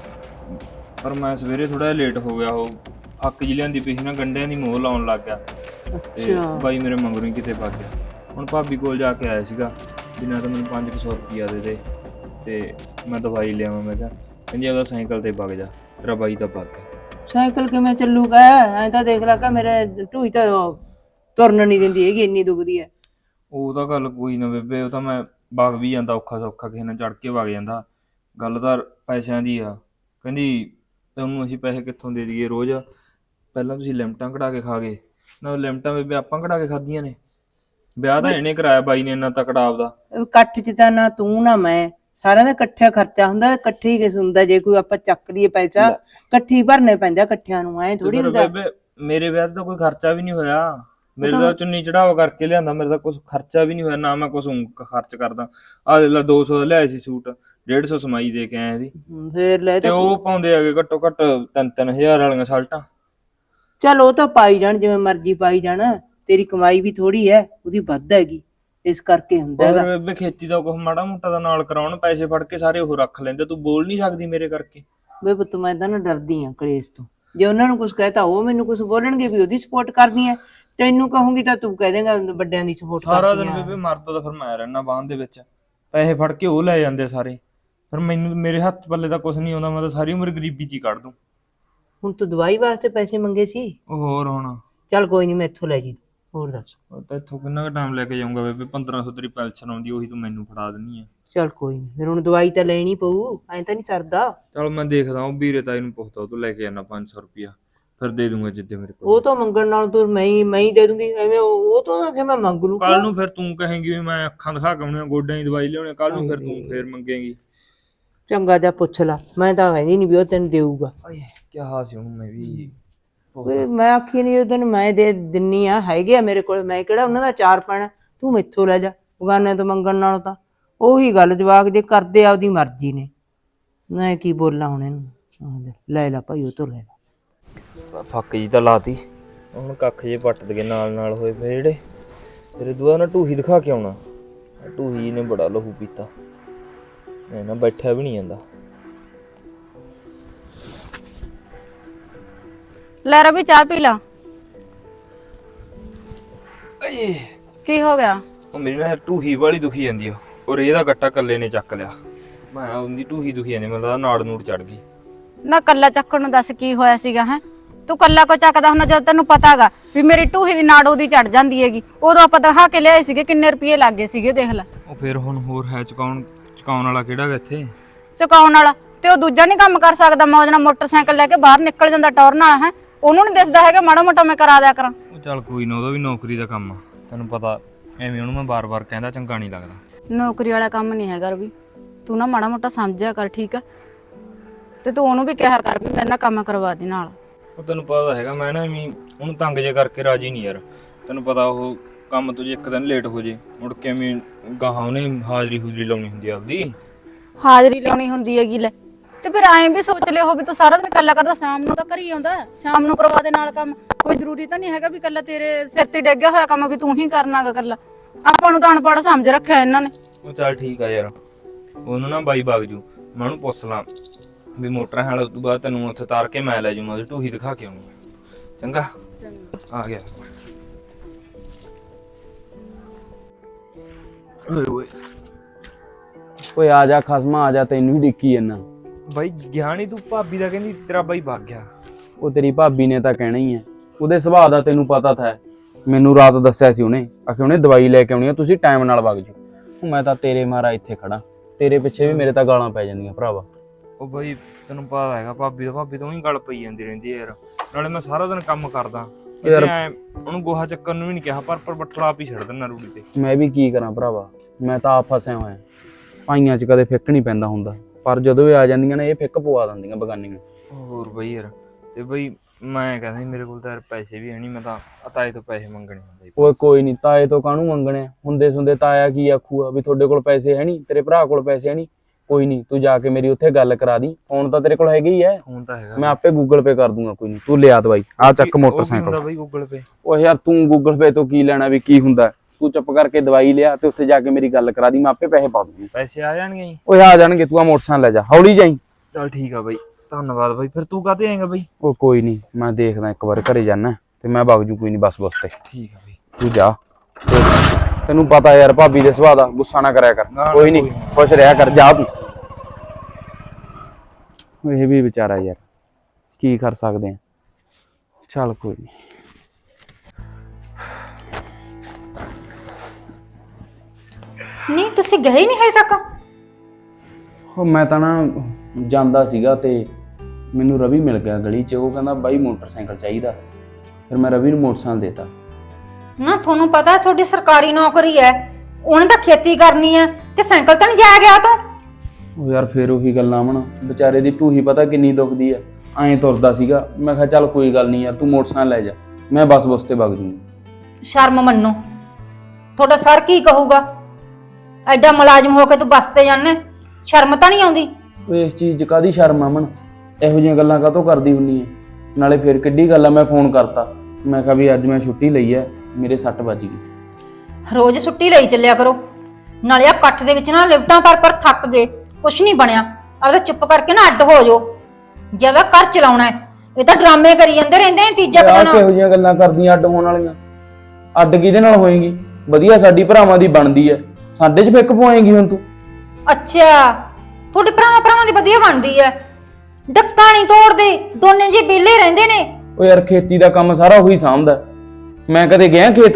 [SPEAKER 3] ਪਰ ਮੈਂ ਸਵੇਰੇ ਥੋੜਾ ਲੇਟ ਹੋ ਗਿਆ ਉਹ ਹੱਕ ਜੀ ਲਿਆਂਦੀ ਪਈ ਸੀ ਨਾ ਗੰਡਿਆਂ ਦੀ ਮੋਹ ਲਾਉਣ ਲੱਗ ਗਿਆ ਤੇ ਬਾਈ ਮੇਰੇ ਮਗਰੋਂ ਹੀ ਕਿਤੇ ਭੱਗ ਗਿਆ। ਹੁਣ ਭਾਬੀ ਕੋਲ ਜਾ ਕੇ ਆਇਆ ਸੀਗਾ ਜਿੰਨਾ ਤਾਂ ਮੈਨੂੰ ਪੰਜ ਸੌ ਰੁਪਈਆ ਦੇ ਦੇ ਤੇ ਮੈਂ ਦਵਾਈ ਲਿਆਵਾਂ ਮੈਂ ਕਿਹਾ ਕਹਿੰਦੀ ਉਹਦਾ ਸਾਈਕਲ ਤੇ ਵਗ ਜਾ ਤੇਰਾ ਬਾਈ ਤਾਂ ਭੱਗ ਗਿਆ।
[SPEAKER 4] ਸਾਈਕਲ ਕਿਵੇਂ ਚੱਲੂਗਾ ਐਂ ਤਾਂ ਦੇਖ ਲਾ ਕਿ ਮੇਰੇ ਢੂਈ ਤਾਂ ਉਹ ਤੁਰਨ ਨਹੀਂ ਦਿੰਦੀ ਹੈਗੀ ਇੰਨੀ ਦੁਖਦੀ ਹੈ।
[SPEAKER 3] ਉਹ ਤਾਂ ਗੱਲ ਕੋਈ ਨਾ ਬੇਬੇ ਉਹ ਤਾਂ ਮੈਂ ਵਗ ਵੀ ਜਾਂਦਾ ਔਖਾ ਸੌਖਾ ਕਿਸੇ ਨਾਲ ਚੜ ਕੇ ਵਗ ਜਾਂਦਾ ਗੱਲ ਤਾਂ ਪੈਸਿਆਂ ਦੀ ਆ ਕਹਿੰਦੀ ਤੁਹਾਨੂੰ ਅਸੀਂ ਪੈਸੇ ਕਿੱਥੋਂ ਦੇ ਦਈਏ ਰੋਜ਼ ਪਹਿਲਾਂ ਤੁਸੀਂ ਲਿਮਟਾਂ ਕਢਾ ਕੇ ਖਾ ਗਏ ਨਾ ਲਿਮਟਾਂ ਬੇਬੇ ਆਪਾਂ ਕਢਾ ਕੇ ਖਾਧੀਆਂ ਨੇ ਵਿਆਹ ਤਾਂ ਇਹਨੇ ਕਰਾਇਆ ਬਾਈ ਨੇ ਇੰਨਾ ਤਕੜਾ ਆਪਦਾ
[SPEAKER 4] ਇਕੱਠ ਚ ਤਾਂ ਨਾ ਤੂੰ ਨਾ ਮੈਂ ਸਾਰਿਆਂ ਦਾ ਇਕੱਠਾ ਖਰਚਾ ਹੁੰਦਾ ਇਕੱਠੇ ਹੀ ਕਿਸ ਹੁੰਦਾ ਜੇ ਕੋਈ ਆਪਾਂ ਚੱਕ ਲਈਏ ਪੈਸਾ ਇਕੱਠੀ ਭਰਨੇ ਪੈਂਦਾ ਇਕੱਠਿਆਂ ਨੂੰ ਐ ਥੋੜੀ ਹੁੰਦਾ।
[SPEAKER 3] ਬੇਬੇ ਮੇਰੇ ਵਿਆਹ ਤੇ ਤਾਂ ਕੋਈ ਖਰਚਾ ਵੀ ਨਹੀਂ ਹੋਇਆ ਮੇਰੇ ਤਾਂ ਚੁੰਨੀ ਚੜਾਵਾ ਕਰਕੇ ਲਿਆਂਦਾ ਮੇਰੇ ਤਾਂ ਕੁਝ ਖਰਚਾ ਵੀ ਨਹੀਂ ਹੋਇਆ ਨਾ ਮੈਂ ਕੁਝ ਖਰਚ ਕਰਦਾ ਆਹ ਦੇ ਲਾ ਦੋ ਸੌ ਦਾ ਲਿਆਇਆ ਸੀ ਸੂਟ ਡੇਢ ਸੌ ਸਮਾਈ ਦੇ ਕੇ ਆਇਆ ਇਹਦੀ
[SPEAKER 4] ਫੇਰ ਲੈ
[SPEAKER 3] ਤੇ ਉਹ ਪਾਉਂਦੇ ਹੈਗੇ ਘੱਟੋ ਘੱਟ ਤਿੰਨ ਤਿੰਨ ਹਜ਼ਾਰ ਵਾਲੀਆਂ ਸ਼ਰਟਾਂ।
[SPEAKER 4] ਚੱਲ ਉਹ ਤਾਂ ਪਾਈ ਜਾਣ ਜਿਵੇਂ ਮਰਜ਼ੀ ਪਾਈ ਜਾਣ ਤੇਰੀ ਕਮਾਈ ਵੀ ਥੋੜੀ ਹੈ ਉਹਦੀ ਵੱਧ ਹੈਗੀ ਇਸ ਕਰਕੇ ਹੁੰਦਾ ਹੈਗਾ।
[SPEAKER 3] ਬੇਬੇ ਖੇਤੀ ਦਾ ਕੁਝ ਮਾੜਾ ਮੋਟਾ ਦਾ ਨਾਲ ਕਰਾਉਣ ਪੈਸੇ ਫੜ ਕੇ ਸਾਰੇ ਉਹ ਰੱਖ ਲੈਂਦੇ ਤੂੰ ਬੋਲ ਨਹੀਂ ਸਕਦੀ ਮੇਰੇ ਕਰਕੇ।
[SPEAKER 4] ਵੇ ਪੁੱਤ ਮੈਂ ਤਾਂ ਨਾ ਡਰਦੀ ਆ ਕਲੇਸ਼ ਤੋਂ ਜੇ ਉਹਨਾਂ ਨੂੰ ਕੁਝ ਕਹਤਾ ਉਹ ਮੈਨੂੰ ਕੁਝ ਬੋਲਣਗੇ ਵੀ ਉਹਦੀ ਸਪੋਰਟ ਕਰਦੀ ਐ ਤੈਨੂੰ ਕਹੂੰਗੀ ਤਾਂ ਤੂੰ ਕਹਿ ਦੇਂਗਾ ਵੱਡਿਆਂ ਦੀ ਸਪੋਰਟ ਕਰਦੀ
[SPEAKER 3] ਸਾਰਾ ਦਿਨ ਬੇਬੇ ਮਰਦਾ ਤਾਂ ਫਿਰ ਮੈਂ ਰਹਿਣਾ ਬਾਂਹ ਦੇ ਵਿੱਚ ਪੈਸੇ ਫੜ ਕੇ ਉਹ ਲੈ ਜਾਂਦੇ ਸਾਰੇ ਫਿਰ ਮੈਨੂੰ ਮੇਰੇ ਹੱਥ ਪੱਲੇ ਤਾਂ ਕੁਝ ਨਹੀਂ ਆਉਂਦਾ ਮੈਂ ਤਾਂ ਸਾਰੀ ਉਮਰ ਗਰੀਬੀ 'ਚ ਹੀ ਕੱਢ ਦੂੰ।
[SPEAKER 4] ਹੁਣ ਤੂੰ ਦਵਾਈ ਵਾਸਤੇ ਪੈਸੇ ਮੰਗੇ ਸੀ
[SPEAKER 3] ਉਹ ਹੋਰ ਹੁਣ
[SPEAKER 4] ਚੱਲ ਕੋਈ ਨਹੀਂ ਮੈਂ ਇੱਥੋਂ ਲੈ ਜੀ ਹੋਰ ਦੱਸ।
[SPEAKER 3] ਉਹ ਤਾਂ ਇੱਥੋਂ ਕਿੰਨਾ ਕੁ ਟਾਈਮ ਲੈ ਕੇ ਜਾਊਂਗਾ ਬੇਬੇ ਪੰਦਰਾਂ ਸੌ ਤੇਰੀ ਪੈਨਸ਼ਨ ਆਉਂਦੀ ਉਹੀ ਤੂੰ ਮੈਨੂੰ ਫੜਾ ਦਿੰਨੀ ਆ।
[SPEAKER 4] ਚੱਲ ਕੋਈ ਨਹੀਂ ਫਿਰ ਹੁਣ ਦਵਾਈ ਤਾਂ ਲੈਣੀ ਪਊ ਐਂ ਤਾਂ ਨਹੀਂ ਸਰਦਾ।
[SPEAKER 3] ਚਲ ਮੈਂ ਦੇਖਦਾ ਉਹ ਵੀਰੇ ਤਾਈ ਨੂੰ ਪੁੱਛਦਾ ਤੂੰ ਲੈ ਕੇ ਜਾਣਾ ਪੰਜ ਸੌ ਰੁਪਇਆ ਫਿਰ ਦੇ ਦੂੰਗਾ ਜਿੱਦੇ ਮੇਰੇ ਕੋਲ।
[SPEAKER 4] ਉਹ ਤਾਂ ਮੰਗਣ ਨਾਲ ਤੂੰ ਮੈਂ ਹੀ ਮੈਂ ਹੀ ਦੇ ਦੂੰਗੀ ਐਵੇਂ ਉਹ ਉਹ ਤੋਂ ਕਿ ਮੈਂ ਮੰਗ ਲੂ
[SPEAKER 3] ਕੱਲ ਨੂੰ ਫਿਰ ਤੂੰ ਕਹੇਂਗੀ ਵੀ ਮੈਂ ਅੱਖਾਂ ਦਿਖਾ ਕੇ ਆਉਣੀਆਂ ਗੋਡਿਆਂ ਦੀ ਦਵਾਈ ਲਿਆਉਣੀ ਕੱਲ ਨੂੰ ਫਿਰ ਤੂੰ ਫੇਰ ਮੰਗੇਂਗੀ।
[SPEAKER 4] ਚੰਗਾ ਜਾ ਪੁੱਛ ਲਾ, ਮੈਂ ਤਾਂ ਕਹਿੰਦੀ ਨਹੀਂ ਵੀ ਉਹ ਤੈਨੂੰ ਦੇਊਗਾ।
[SPEAKER 3] ਓਏ ਕਿਹਾ ਸੀ ਉਹਨੂੰ ਮੈਂ ਵੀ
[SPEAKER 4] ਓਏ ਮੈਂ ਆਖੀ ਨਹੀਂ ਉਹਦਨ ਮੈਂ ਦੇ ਦਿੰਨੀ ਆ, ਹੈਗੇ ਆ ਮੇਰੇ ਕੋਲ, ਮੈਂ ਕਿਹੜਾ ਉਹਨਾਂ ਦਾ ਚਾਰ ਪਾਣਾ, ਤੂੰ ਮੈਥੋਂ ਲੈ ਜਾ, ਬਗਾਨੇ ਤੋਂ ਮੰਗਣ ਨਾਲੋਂ ਤਾਂ ਉਹੀ ਗੱਲ, ਜਵਾਕ ਜੇ ਕਰਦੇ ਆ ਉਹਦੀ ਮਰਜ਼ੀ ਨੇ, ਮੈਂ ਕੀ ਬੋਲਾਂ ਹੁਣ ਇਹਨੂੰ। ਆਹ ਲੈ ਲੈ ਭਾਈ ਉਹ ਤੋਂ ਲੈ ਲੈ।
[SPEAKER 3] ਫੱਕ ਜੀ ਤਾਂ ਲਾਤੀ, ਹੁਣ ਕੱਖ ਜੇ ਪੱਟ ਦਗੇ ਨਾਲ ਨਾਲ ਹੋਏ ਪਏ ਜਿਹੜੇ। ਤੇਰੇ ਦੁਆ ਨਾ ਢੂਹੀ ਦਿਖਾ ਕੇ ਆਉਣਾ, ਢੂਹੀ ਨੇ ਬੜਾ ਲਹੂ ਪੀਤਾ, ਐ ਨਾ ਬੈਠਿਆ ਵੀ ਨਹੀਂ ਜਾਂਦਾ।
[SPEAKER 5] ਲੈ ਰਵੀ ਚਾਹ ਪੀ ਲਾ।
[SPEAKER 3] ਏ
[SPEAKER 5] ਕੀ ਹੋ ਗਿਆ?
[SPEAKER 3] ਉਹ ਮੇਰੀ ਨਾ ਢੂਹੀ ਵਾਲੀ ਦੁਖੀ ਜਾਂਦੀ ਆ, ਔਰ ਇਹਦਾ ਗੱਟਾ ਕੱਲੇ ਨੇ ਚੱਕ ਲਿਆ। ਮੈਂ ਉਹਦੀ ਢੂਹੀ ਦੁਖੀ ਜਾਂਦੀ, ਮੈਨੂੰ ਲੱਗਦਾ ਨਾੜ ਨੂੜ ਚੜ ਗਈ।
[SPEAKER 5] ਨਾ ਕੱਲਾ ਚੱਕਣ ਨੂੰ ਦੱਸ ਕੀ ਹੋਇਆ ਸੀਗਾ ਹੈ? ਤੂੰ ਕੱਲਾ ਕੋ ਚੱਕਦਾ ਹੁਣ, ਜਦ ਤੈਨੂੰ ਪਤਾਗਾ ਵੀ ਮੇਰੀ ਢੂਹੀ ਦੀ ਨਾੜ ਉਹਦੀ ਚੜ ਜਾਂਦੀ ਹੈਗੀ। ਉਦੋਂ ਆਪਾਂ ਦਿਖਾ ਕੇ ਲਿਆਏ ਸੀਗੇ, ਕਿੰਨੇ ਰੁਪਏ ਲੱਗੇ ਸੀਗੇ ਦੇਖ ਲੈ।
[SPEAKER 3] ਉਹ ਫਿਰ ਹੁਣ ਹੋਰ ਹੈ ਚੁਕਾਉਣ ਚੁਕਾਉਣ ਵਾਲਾ ਕਿਹੜਾ ਗਾ ਇੱਥੇ?
[SPEAKER 5] ਚੁਕਾਉਣ ਵਾਲਾ ਤੇ ਉਹ ਦੂਜਾ ਨਹੀਂ ਕੰਮ ਕਰ ਸਕਦਾ, ਮੌਜ ਨਾਲ ਮੋਟਰਸਾਈਕਲ ਲੈ ਕੇ ਬਾਹਰ ਨਿਕਲ ਜਾਂਦਾ ਟੌਰ ਨਾਲ ਹੈ। ਉਹਨੂੰ ਨਹੀਂ ਦਿਸਦਾ ਹੈਗਾ ਮਾੜਾ ਮੋਟਾ ਮੈਂ ਕਰਾ ਦਿਆ ਕਰਾਂ।
[SPEAKER 3] ਉਹ ਚੱਲ ਕੋਈ ਨਾ, ਉਹਦਾ ਵੀ ਨੌਕਰੀ ਦਾ ਕੰਮ ਆ, ਤੈਨੂੰ ਪਤਾ। ਐਵੇਂ ਉਹਨੂੰ ਮੈਂ ਬਾਰ-ਬਾਰ ਕਹਿੰਦਾ ਚੰਗਾ ਨਹੀਂ ਲੱਗਦਾ।
[SPEAKER 5] ਨੌਕਰੀ ਵਾਲਾ ਕੰਮ ਨਹੀਂ ਹੈਗਾ ਰਵੀ, ਤੂੰ ਨਾ ਮਾੜਾ ਮੋਟਾ ਸਮਝਿਆ ਕਰ, ਠੀਕ ਆ? ਤੇ ਤੂੰ ਉਹਨੂੰ ਵੀ ਕਿਹਾ ਕਰ ਵੀ ਮੇਰੇ ਨਾਲ ਕੰਮ ਕਰਵਾ ਦੇ ਨਾਲ।
[SPEAKER 3] ਉਹ ਤੈਨੂੰ ਪਤਾ ਹੈਗਾ ਮੈਂ ਨਾ ਐਵੇਂ ਉਹਨੂੰ ਤੰਗ ਜੇ ਕਰਕੇ ਰਾਜੀ ਨਹੀਂ ਯਾਰ। ਤੈਨੂੰ ਪਤਾ ਉਹ ਕੰਮ ਤੋਂ ਜੇ ਇੱਕ ਦਿਨ ਲੇਟ ਹੋ ਜੇ, ਮੁੜ ਕੇ ਐਵੇਂ ਗਾਹਾਂ ਉਹਨੇ ਹਾਜ਼ਰੀ ਹੂਜ਼ਰੀ ਲਾਉਣੀ ਹੁੰਦੀ ਆ ਆਪਦੀ।
[SPEAKER 5] ਹਾਜ਼ਰੀ ਲਾਉਣੀ ਹੁੰਦੀ ਹੈਗੀ ਲੈ, ਤੇ ਫਿਰ ਐਂ ਵੀ ਸੋਚ ਲਿਓ ਹੋ ਵੀ ਤੂੰ ਸਾਰਾ ਦਿਨ ਕੱਲਾ ਕਰਦਾ, ਸ਼ਾਮ ਨੂੰ ਤਾਂ ਘਰੀ ਆਉਂਦਾ, ਸ਼ਾਮ ਨੂੰ ਕਰਵਾ ਦੇ ਨਾਲ ਕੰਮ। ਕੋਈ ਜ਼ਰੂਰੀ ਤਾਂ ਨਹੀਂ ਹੈਗਾ ਵੀ ਕੱਲਾ ਤੇਰੇ ਸਿਰ ਤੇ ਡਿੱਗਿਆ ਹੋਇਆ ਕੰਮ ਵੀ ਤੂੰ ਹੀ ਕਰਨਾਗਾ ਕੱਲਾ। ਆਪਾਂ ਨੂੰ ਤਾਂ ਅਨਪੜ੍ਹ ਸਮਝ ਰੱਖਿਆ ਇਹਨਾਂ ਨੇ।
[SPEAKER 3] ਉਹ ਚੱਲ ਠੀਕ ਆ ਯਾਰ, ਉਹਨੂੰ ਨਾ ਬਾਈ ਬਾਗ ਜੂ, ਮੈਂ ਉਹਨੂੰ ਪੁੱਛ ਲਾਂ ਵੀ ਮੋਟਰਾਂ ਹਾਲ ਤੋਂ ਬਾਅਦ ਤੈਨੂੰ ਉੱਥੇ ਤਾਰ ਕੇ ਮੈਂ ਲੈ ਜੂੰਗਾ, ਉਹਦੀ ਢੂਹੀ ਦਿਖਾ ਕੇ ਆਉਣੀ। ਚੰਗਾ ਆ ਗਿਆ। ਓਏ ਓਏ
[SPEAKER 1] ਓਏ ਆ ਜਾ ਖਸਮਾ, ਆ ਜਾ, ਤੈਨੂੰ ਹੀ ਡਿੱਕੀ ਜੰਨਾ।
[SPEAKER 3] ਬਾਈ ਗਿਆ ਨੀ ਤੂੰ? ਭਾਬੀ ਦਾ ਕਹਿੰਦੀ ਤੇਰਾ ਬਾਈ ਭੱਗ ਗਿਆ।
[SPEAKER 1] ਉਹ ਤੇਰੀ ਭਾਬੀ ਨੇ ਤਾਂ ਕਹਿਣਾ ਹੀ ਹੈ, ਉਹਦੇ ਸੁਭਾਅ ਦਾ ਤੈਨੂੰ ਪਤਾ ਤਾਂ ਹੈ। ਮੈਨੂੰ ਰਾਤ ਦੱਸਿਆ ਸੀ ਉਹਨੇ, ਆਖੇ ਉਹਨੇ ਦਵਾਈ ਲੈ ਕੇ ਆਉਣੀ ਆ, ਤੁਸੀਂ ਟਾਈਮ ਨਾਲ ਵਗ ਜਾਓ। ਮੈਂ ਤਾਂ ਤੇਰੇ ਮਾਰਾ ਇੱਥੇ ਖੜਾ, ਤੇਰੇ ਪਿੱਛੇ ਵੀ ਮੇਰੇ ਤਾਂ ਗਾਲਾਂ ਪੈ ਜਾਂਦੀਆਂ ਭਰਾਵਾ।
[SPEAKER 3] ਉਹ ਬਾਈ ਤੈਨੂੰ ਪਤਾ ਹੈਗਾ ਭਾਬੀ ਦਾ, ਭਾਬੀ ਤੋਂ ਹੀ ਗੱਲ ਪਈ ਜਾਂਦੀ ਰਹਿੰਦੀ ਹੈ ਯਾਰ। ਨਾਲੇ ਮੈਂ ਸਾਰਾ ਦਿਨ ਕੰਮ ਕਰਦਾ ਯਾਰ, ਉਹਨੂੰ ਗੋਹਾ ਚੱਕਣ ਨੂੰ ਵੀ ਨਹੀਂ ਕਿਹਾ, ਪਰ ਪਰ ਬੱਠਲਾ ਆਪ ਹੀ ਛੱਡ ਦਿੰਦਾ ਰੂੜੀ ਤੇ।
[SPEAKER 1] ਮੈਂ ਵੀ ਕੀ ਕਰਾਂ ਭਰਾਵਾ, ਮੈਂ ਤਾਂ ਆਪ ਫਸਿਆ ਹੋਇਆ। ਭਾਈਆਂ 'ਚ ਕਦੇ ਫਿੱਕ ਨਹੀਂ ਪੈਂਦਾ ਹੁੰਦਾ, ਪਰ ਜਦੋਂ ਇਹ ਆ ਜਾਂਦੀਆਂ ਨੇ ਇਹ ਫਿੱਕ ਪਵਾ ਦਿੰਦੀਆਂ ਬਗਾਨੀਆਂ।
[SPEAKER 3] ਹੋਰ ਬਈ ਯਾਰ, ਤੇ ਬਈ ਮੈਂ ਕਹਿੰਦਾ ਸੀ ਮੇਰੇ ਕੋਲ ਤਾਂ ਯਾਰ ਪੈਸੇ ਵੀ ਹੈ ਨਹੀਂ, ਮੈਂ ਤਾਂ ਤਾਏ ਤੋਂ ਪੈਸੇ ਮੰਗਣੇ ਹੁੰਦੇ।
[SPEAKER 1] ਓਏ ਕੋਈ ਨਹੀਂ, ਤਾਏ ਤੋਂ ਕਾਹਨੂੰ ਮੰਗਣੇ ਹੁੰਦੇ ਸੁੰਦੇ, ਤਾਇਆ ਕੀ ਆਖੂਗਾ ਵੀ ਤੁਹਾਡੇ ਕੋਲ ਪੈਸੇ ਹੈ ਨਹੀਂ, ਤੇਰੇ ਭਰਾ ਕੋਲ ਪੈਸੇ ਹੈ ਨਹੀਂ। ਕੋਈ ਨਹੀਂ, ਤੂੰ ਜਾ ਕੇ ਮੇਰੀ ਉੱਥੇ ਗੱਲ ਕਰਾ ਦੀ, ਫੋਨ ਤਾਂ ਤੇਰੇ ਕੋਲ ਹੈਗਾ ਹੀ ਹੈ।
[SPEAKER 3] ਫੋਨ ਤਾਂ ਹੈਗਾ,
[SPEAKER 1] ਮੈਂ ਆਪੇ ਗੂਗਲ ਪੇ ਕਰ ਦੂੰਗਾ। ਕੋਈ ਨਹੀਂ, ਤੂੰ ਲਿਆ ਦਵਾਈ, ਆ ਚੱਕ ਮੋਟਰਸਾਈਕਲ।
[SPEAKER 3] ਬਈ ਗੂਗਲ ਪੇ? ਓ
[SPEAKER 1] ਯਾਰ ਤੂੰ ਗੂਗਲ ਪੇ ਤੋਂ ਕੀ ਲੈਣਾ, ਵੀ ਕੀ ਹੁੰਦਾ? ਤੂੰ ਚੁੱਪ ਕਰਕੇ ਦਵਾਈ ਲਿਆ ਤੇ ਉੱਥੇ ਜਾ ਕੇ ਮੇਰੀ ਗੱਲ ਕਰਾ ਦੀ, ਮੈਂ ਆਪੇ ਪੈਸੇ ਪਾ ਦੂੰਗਾ।
[SPEAKER 3] ਪੈਸੇ ਆ ਜਾਣਗੇ ਜੀ?
[SPEAKER 1] ਓਏ ਆ ਜਾਣਗੇ, ਤੂੰ ਆ ਮੋਟਰਸਾਈਕਲ ਲੈ ਜਾ, ਹੌਲੀ ਜਾਈ।
[SPEAKER 3] ਚੱਲ ਠੀਕ ਆ ਬਈ, ਧੰਨਵਾਦ ਬਈ। ਫਿਰ ਤੂੰ ਕਾਹਤੇ ਆਏਗਾ ਬਈ?
[SPEAKER 1] ਉਹ ਕੋਈ ਨਹੀਂ, ਮੈਂ ਦੇਖਦਾ ਇੱਕ ਵਾਰ ਘਰੇ ਜਾਣਾ ਤੇ ਮੈਂ ਵਗ ਜੂ, ਕੋਈ ਨਹੀਂ, ਬੱਸ ਬੱਸ ਤੇ।
[SPEAKER 3] ਠੀਕ ਆ ਬਈ,
[SPEAKER 1] ਤੂੰ ਜਾ। ਤੈਨੂੰ ਪਤਾ ਯਾਰ ਭਾਬੀ ਦੇ ਸੁਭਾਅ ਦਾ, ਗੁੱਸਾ ਨਾ ਕਰਿਆ ਕਰ। ਕੋਈ ਨਹੀਂ, ਖੁਸ਼ ਰਿਹਾ ਕਰ, ਜਾ ਤੂੰ। ਇਹ ਵੀ ਵਿਚਾਰਾ ਯਾਰ, ਕੀ ਕਰ ਸਕਦੇ ਆ। ਚੱਲ ਕੋਈ ਨਹੀਂ।
[SPEAKER 2] ਨਹੀਂ ਤੁਸੀਂ ਗਏ ਨਹੀਂ ਹਜੇ ਤੱਕ?
[SPEAKER 1] ਉਹ ਮੈਂ ਤਾਂ ਨਾ ਜਾਂਦਾ ਸੀਗਾ ਤੇ ਮੈਨੂੰ ਰਵੀ ਮਿਲ ਗਿਆ ਗਲੀ 'ਚ। ਉਹ ਕਹਿੰਦਾ ਬਾਈ ਮੋਟਰਸਾਈਕਲ ਚਾਹੀਦਾ, ਫਿਰ ਮੈਂ ਰਵੀ ਨੂੰ ਮੋਟਰਸਾਈਕਲ ਦੇਤਾ।
[SPEAKER 2] ਨਾ ਤੁਹਾਨੂੰ ਪਤਾ ਤੁਹਾਡੀ ਸਰਕਾਰੀ ਨੌਕਰੀ ਹੈ, ਉਹਨੇ ਤਾਂ ਖੇਤੀ ਕਰਨੀ ਹੈ ਤੇ ਸਾਈਕਲ ਤਾਂ ਨਹੀਂ ਜਾਇਆ ਗਿਆ ਤੂੰ?
[SPEAKER 1] ਉਹ ਯਾਰ ਫੇਰ ਉਹੀ ਗੱਲਾਂ ਮਣ, ਵਿਚਾਰੇ ਦੀ ਢੂਹੀ ਪਤਾ ਕਿੰਨੀ ਦੁਖਦੀ ਆ। ਐਂ ਤੁਰਦਾ ਸੀਗਾ, ਮੈਂ ਕਿਹਾ ਚੱਲ ਕੋਈ ਗੱਲ ਨਹੀਂ ਯਾਰ, ਤੂੰ ਮੋਟਰਸਾਈਕਲ ਲੈ ਜਾ, ਮੈਂ ਬੱਸ ਬੱਸ ਤੇ ਵਗ ਜੂੰਗਾ।
[SPEAKER 2] ਸ਼ਰਮ ਮੰਨੋ, ਤੁਹਾਡਾ ਸਰ ਕੀ ਕਹੂਗਾ? ਐਡਾ ਮੁਲਾਜ਼ਮ ਹੋ ਕੇ ਤੂੰ ਬੱਸ ਤੇ ਜਾਂਦੇ, ਸ਼ਰਮ ਤਾਂ ਨਹੀਂ ਆਉਂਦੀ?
[SPEAKER 1] ਓਏ ਇਸ ਚੀਜ਼ 'ਚ ਕਾਹਦੀ ਸ਼ਰਮ ਆ ਮਣ, ਇਹੋ ਜਿਹੀਆਂ ਗੱਲਾਂ ਕਾਹਤੋਂ ਕਰਦੀ ਹੁੰਨੀ ਹੈ? ਨਾਲੇ ਫੇਰ ਕਿੱਡੀ ਗੱਲ ਆ, ਮੈਂ ਫੋਨ ਕਰਤਾ, ਮੈਂ ਕਿਹਾ ਵੀ ਅੱਜ ਮੈਂ ਛੁੱਟੀ ਲਈ ਹੈ, ਮੇਰੇ ਸੱਟ ਵੱਜ ਗਈ।
[SPEAKER 2] ਰੋਜ਼ ਛੁੱਟੀ ਲਈ ਚੱਲਿਆ ਕਰੋ, ਨਾਲੇ ਆ ਪੱਠ ਦੇ ਵਿੱਚ ਨਾ ਲਿਫਟਾਂ ਪਰ ਪਰ ਥੱਕ ਗਏ, ਕੁਛ ਨਹੀਂ ਬਣਿਆ। ਆਪਦਾ ਚੁੱਪ ਕਰਕੇ ਨਾ ਅੱਡ ਹੋ ਜਾਓ, ਜੇ ਉਹਦਾ ਘਰ ਚਲਾਉਣਾ ਹੈ। ਇਹ ਤਾਂ ਡਰਾਮੇ ਕਰੀ ਜਾਂਦੇ ਰਹਿੰਦੇ ਨੇ ਤੀਜਾ ਦਿਨ।
[SPEAKER 1] ਕਿਹੋ ਜਿਹੀਆਂ ਗੱਲਾਂ ਕਰਦੀਆਂ ਅੱਡ ਹੋਣ ਵਾਲੀਆਂ? ਅੱਡ ਕਿਹਦੇ ਨਾਲ ਹੋਏਗੀ? ਵਧੀਆ ਸਾਡੀ ਭਰਾਵਾਂ ਦੀ ਬਣਦੀ ਹੈ, ਸਾਡੇ 'ਚ ਫਿੱਕ ਪਵਾਏਗੀ ਹੁਣ ਤੂੰ?
[SPEAKER 2] ਅੱਛਾ, ਤੁਹਾਡੇ ਭਰਾਵਾਂ ਭਰਾਵਾਂ ਦੀ ਵਧੀਆ ਬਣਦੀ ਹੈ, ਡੱਕਾ ਨਹੀਂ ਤੋੜਦੇ, ਦੋਨੇ ਜੀ ਵਿਹਲੇ ਰਹਿੰਦੇ ਨੇ।
[SPEAKER 1] ਓ ਯਾਰ ਖੇਤੀ ਦਾ ਕੰਮ ਸਾਰਾ ਉਹੀ ਸਾਂਭਦਾ, ਮੈਂ ਕਦੇ ਗਿਆ ਖੇਤ?